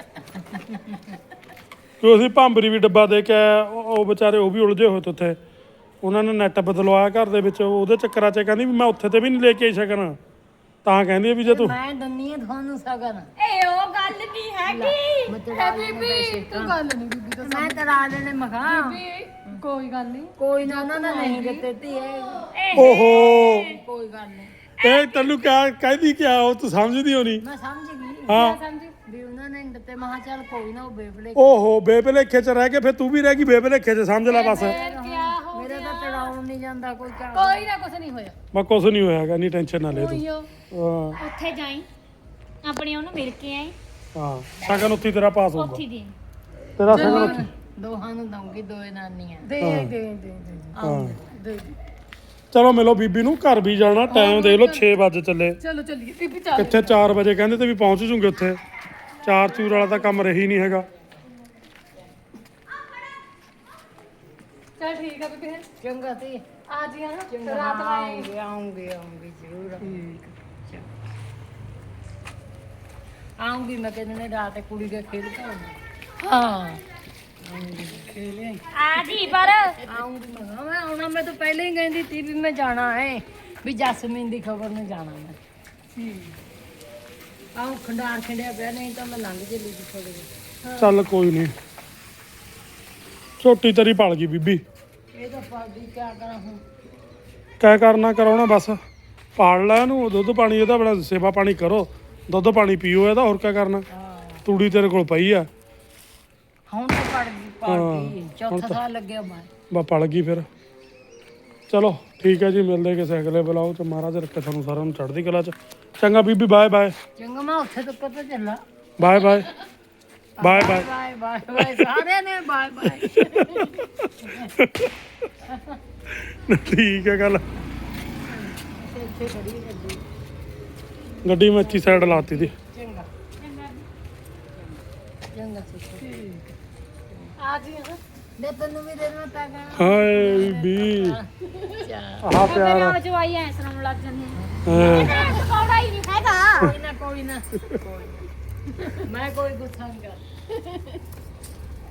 Speaker 1: ਕਿ ਅਸੀਂ ਭਾਂਬਰੀ ਵੀ ਡੱਬਾ ਦੇ ਕੇ ਆਏ, ਉਹ ਉਹ ਵਿਚਾਰੇ ਉਹ ਵੀ ਉਲਝੇ ਹੋਏ ਤੇ ਉੱਥੇ ਉਹਨਾਂ ਨੇ ਨੈਟ ਬਦਲਵਾਇਆ ਘਰ ਦੇ ਵਿੱਚ ਉਹਦੇ ਚੱਕਰਾਂ 'ਚ ਕਹਿੰਦੀ ਵੀ ਮੈਂ ਉੱਥੇ ਤੇ ਵੀ ਨਹੀਂ ਲੈ ਕੇ ਆਈ ਸਕਣ ਤਾਂ ਕਹਿੰਦੀ ਆ ਵੀ ਜੇ ਤੂੰ
Speaker 6: ਮੈਂ ਦੰਨੀ ਆ ਤੁਹਾਨੂੰ ਸਗਨ
Speaker 2: ਏ ਉਹ ਗੱਲ ਨਹੀਂ ਹੈਗੀ
Speaker 6: ਮੈਂ ਤੜਾ
Speaker 3: ਬੀਬੀ ਤੂੰ ਗੱਲ ਨਹੀਂ ਬੀਬੀ ਤਾਂ
Speaker 6: ਮੈਂ ਤੜਾ ਲੈਣੇ ਮਖਾ
Speaker 3: ਬੀਬੀ ਕੋਈ ਗੱਲ ਨਹੀਂ
Speaker 6: ਕੋਈ ਨਾ ਉਹਨਾਂ ਨੇ ਨਹੀਂ ਦਿੱਤੇ ਧੀਏ
Speaker 1: ਓਹੋ
Speaker 6: ਕੋਈ ਗੱਲ ਨਹੀਂ
Speaker 1: ਇਹ ਤੈਨੂੰ ਕਿਆ ਕਹਿੰਦੀ ਕਿਆ ਉਹ ਤੂੰ ਸਮਝਦੀ ਹੋਣੀ
Speaker 6: ਮੈਂ ਸਮਝ ਗਈ
Speaker 1: ਹਾਂ
Speaker 6: ਸਮਝੀ ਵੀ ਉਹਨਾਂ ਨੇ ਨਹੀਂ ਦਿੱਤੇ ਮਹਾ ਚੱਲ ਕੋਈ ਨਾ ਉਹ ਬੇਬਲੇ
Speaker 1: ਓਹੋ ਬੇਭਲੇਖੇ 'ਚ ਰਹਿ ਕੇ ਫਿਰ ਤੂੰ ਵੀ ਰਹਿ ਗਈ ਬੇਭਲੇਖੇ 'ਚ ਸਮਝ ਲੈ ਬਸ
Speaker 6: ਮੇਰਾ ਤਾਂ ਤੜਾਉਣ ਨਹੀਂ ਜਾਂਦਾ ਕੋਈ ਕੰਮ
Speaker 3: ਕੋਈ ਨਾ ਕੁਛ ਨਹੀਂ ਹੋਇਆ
Speaker 1: ਮੈਂ ਕੁਛ ਨਹੀਂ ਹੋਇਆਗਾ ਨਹੀਂ ਟੈਨਸ਼ਨ ਨਾ ਲੈ ਤੂੰ
Speaker 3: ਹੋਈਓ
Speaker 1: ਹਾਂ
Speaker 2: ਉੱਥੇ ਜਾਈ ਆਪਣੇ ਉਹਨੂੰ ਮਿਲ ਕੇ ਆਈ
Speaker 1: ਹਾਂ ਸ਼ਗਨ ਉੱਥੇ ਤੇਰਾ ਪਾਸ ਹੋਊਗਾ
Speaker 2: ਉੱਥੇ ਦੀ
Speaker 1: ਤੇਰਾ ਸ਼ਗਨ ਉੱਥੇ
Speaker 6: ਦੋਹਾਂ ਨੂੰ ਦਊਂਗੀ ਦੋਏ ਨਾਨੀਆਂ
Speaker 3: ਦੇ ਆਈ, ਦੇ ਆਈ, ਦੇ ਆਈ, ਦੇ ਆਈ।
Speaker 1: ਹਾਂ
Speaker 3: ਦੇ ਦੇ
Speaker 1: ਚਲੋ ਮਿਲੋ ਬੀਬੀ ਨੂੰ ਘਰ ਵੀ ਜਾਣਾ ਟਾਈਮ ਦੇਖ ਲਓ ਛੇ ਵਜੇ ਚੱਲੇ
Speaker 3: ਚਲੋ ਚੱਲੀਏ ਬੀਬੀ ਚੱਲ
Speaker 1: ਕਿੱਥੇ ਚਾਰ ਵਜੇ ਕਹਿੰਦੇ ਤੇ ਵੀ ਪਹੁੰਚ ਜੂਗੇ ਉੱਥੇ ਚਾਰ ਚੂਰ ਵਾਲਾ ਤਾਂ ਕੰਮ ਰਹੀ ਨਹੀਂ ਹੈਗਾ
Speaker 3: ਚੱਲ ਠੀਕ ਆ ਬੀਬੀ ਹੈਂ।
Speaker 6: ਚੰਗਾ ਤੇ
Speaker 3: ਆ ਜੀ ਹਾਂ
Speaker 6: ਚੰਗਾ
Speaker 3: ਰਾਤ ਨੂੰ ਆਈ।
Speaker 6: ਆਉਂਗੇ ਆਉਂਗੇ ਆਉਂਗੇ ਜ਼ਰੂਰ ਆਉਂਗੀ ਮੈਂ ਕਹਿੰਦੇ ਨੇ ਰਾਤ ਕੁੜੀ ਦੇ ਖੇਲ ਕੇ ਆਉਂਗੀ
Speaker 3: ਹਾਂ
Speaker 2: ਆ ਜੀ ਪਰ
Speaker 6: ਆਉਂਗੀ ਮੈਂ ਕਿਹਾ ਮੈਂ ਆਉਣਾ ਮੈਂ ਤਾਂ ਪਹਿਲਾਂ ਹੀ ਕਹਿੰਦੀ ਸੀ ਵੀ ਮੈਂ ਜਾਣਾ ਹੈ ਵੀ ਜਸਮੀਨ ਦੀ ਖਬਰ ਨੂੰ ਜਾਣਾ ਮੈਂ ਆਉਂ ਖੰਡਾਰ ਖੰਡਿਆ ਪਿਆ ਨਹੀਂ ਤਾਂ ਮੈਂ ਲੰਘ ਚੱਲੀ ਸੀ ਥੋੜੇ ਜਿਹੇ
Speaker 1: ਚੱਲ ਕੋਈ ਨਹੀਂ ਛੋਟੀ ਤੇਰੀ ਪਲ ਗਈ ਬੀਬੀ
Speaker 6: ਇਹ ਤਾਂ ਪਾਰਟੀ ਕਿਆ ਕਰਾਂ ਹੁਣ
Speaker 1: ਕਹਿ ਕਰਨਾ ਕਰਾਉਣਾ ਬਸ ਪਾਲ ਲੈ ਇਹਨੂੰ ਦੁੱਧ ਪਾਣੀ ਇਹਦਾ ਬੜਾ ਸੇਵਾ ਪਾਣੀ ਕਰੋ ਦੁੱਧ ਪਾਣੀ ਪੀਓ ਇਹਦਾ ਹੋਰ ਕਿਆ ਕਰਨਾ ਤੂੜੀ ਤੇਰੇ ਕੋਲ ਪਈ ਆ
Speaker 6: ਹੁਣ ਤਾਂ ਪੜ ਗਈ ਪਾਰਟੀ ਚੌਥਾ ਸਾਲ ਲੱਗਿਆ ਮੈਂ
Speaker 1: ਬਾ ਪਲ ਗਈ ਫਿਰ ਚਲੋ ਠੀਕ ਹੈ ਜੀ, ਮਿਲਦੇ ਕਿਸੇ ਅਗਲੇ ਬਲੌਗ ਚ। ਮਹਾਰਾਜ ਰੱਖੇ ਤੁਹਾਨੂੰ ਸਾਰਿਆਂ ਨੂੰ ਚੜ੍ਹਦੀ ਕਲਾ ਚ। ਚੰਗਾ ਬੀਬੀ, ਬਾਏ ਬਾਏ।
Speaker 6: ਚੰਗਾ ਮੈਂ ਉੱਥੇ ਤੱਕ ਤਾਂ ਚੱਲਾਂ।
Speaker 1: Bye bye bye bye.
Speaker 6: Bye bye bye ਸਾਰਿਆਂ ਨੇ ਬਾਏ ਬਾਏ।
Speaker 1: ਠੀਕ ਹੈ ਗੱਲ।
Speaker 6: ਇੱਥੇ ਖੜੀ ਹੈ ਗੱਡੀ।
Speaker 1: ਗੱਡੀ ਮੈਂ ਇੱਥੇ ਸਾਈਡ ਲਾਤੀ ਦੀ।
Speaker 6: ਚੰਗਾ ਚੰਗਾ ਠੀਕ ਆ ਜੀ। ਦੇ ਤੈਨੂੰ ਵੀ ਦੇ ਦੇਣਾ ਪੈਗਾ।
Speaker 1: ਹਾਏ ਬੀਬੀ ਆਹ ਪਿਆਰ ਆ।
Speaker 2: ਜੋ ਆਈ ਐ ਸੁਣਨ ਲੱਗ ਜਾਂਦੀ
Speaker 1: ਹਾਂ।
Speaker 2: ਪਕੌੜਾ ਹੀ ਨਹੀਂ ਖਾਦਾ।
Speaker 6: ਕੋਈ ਨਾ ਕੋਈ ਨਾ ਮੈਂ ਕੋਈ ਗੁੱਸਾ ਨਹੀਂ ਕਰਦਾ।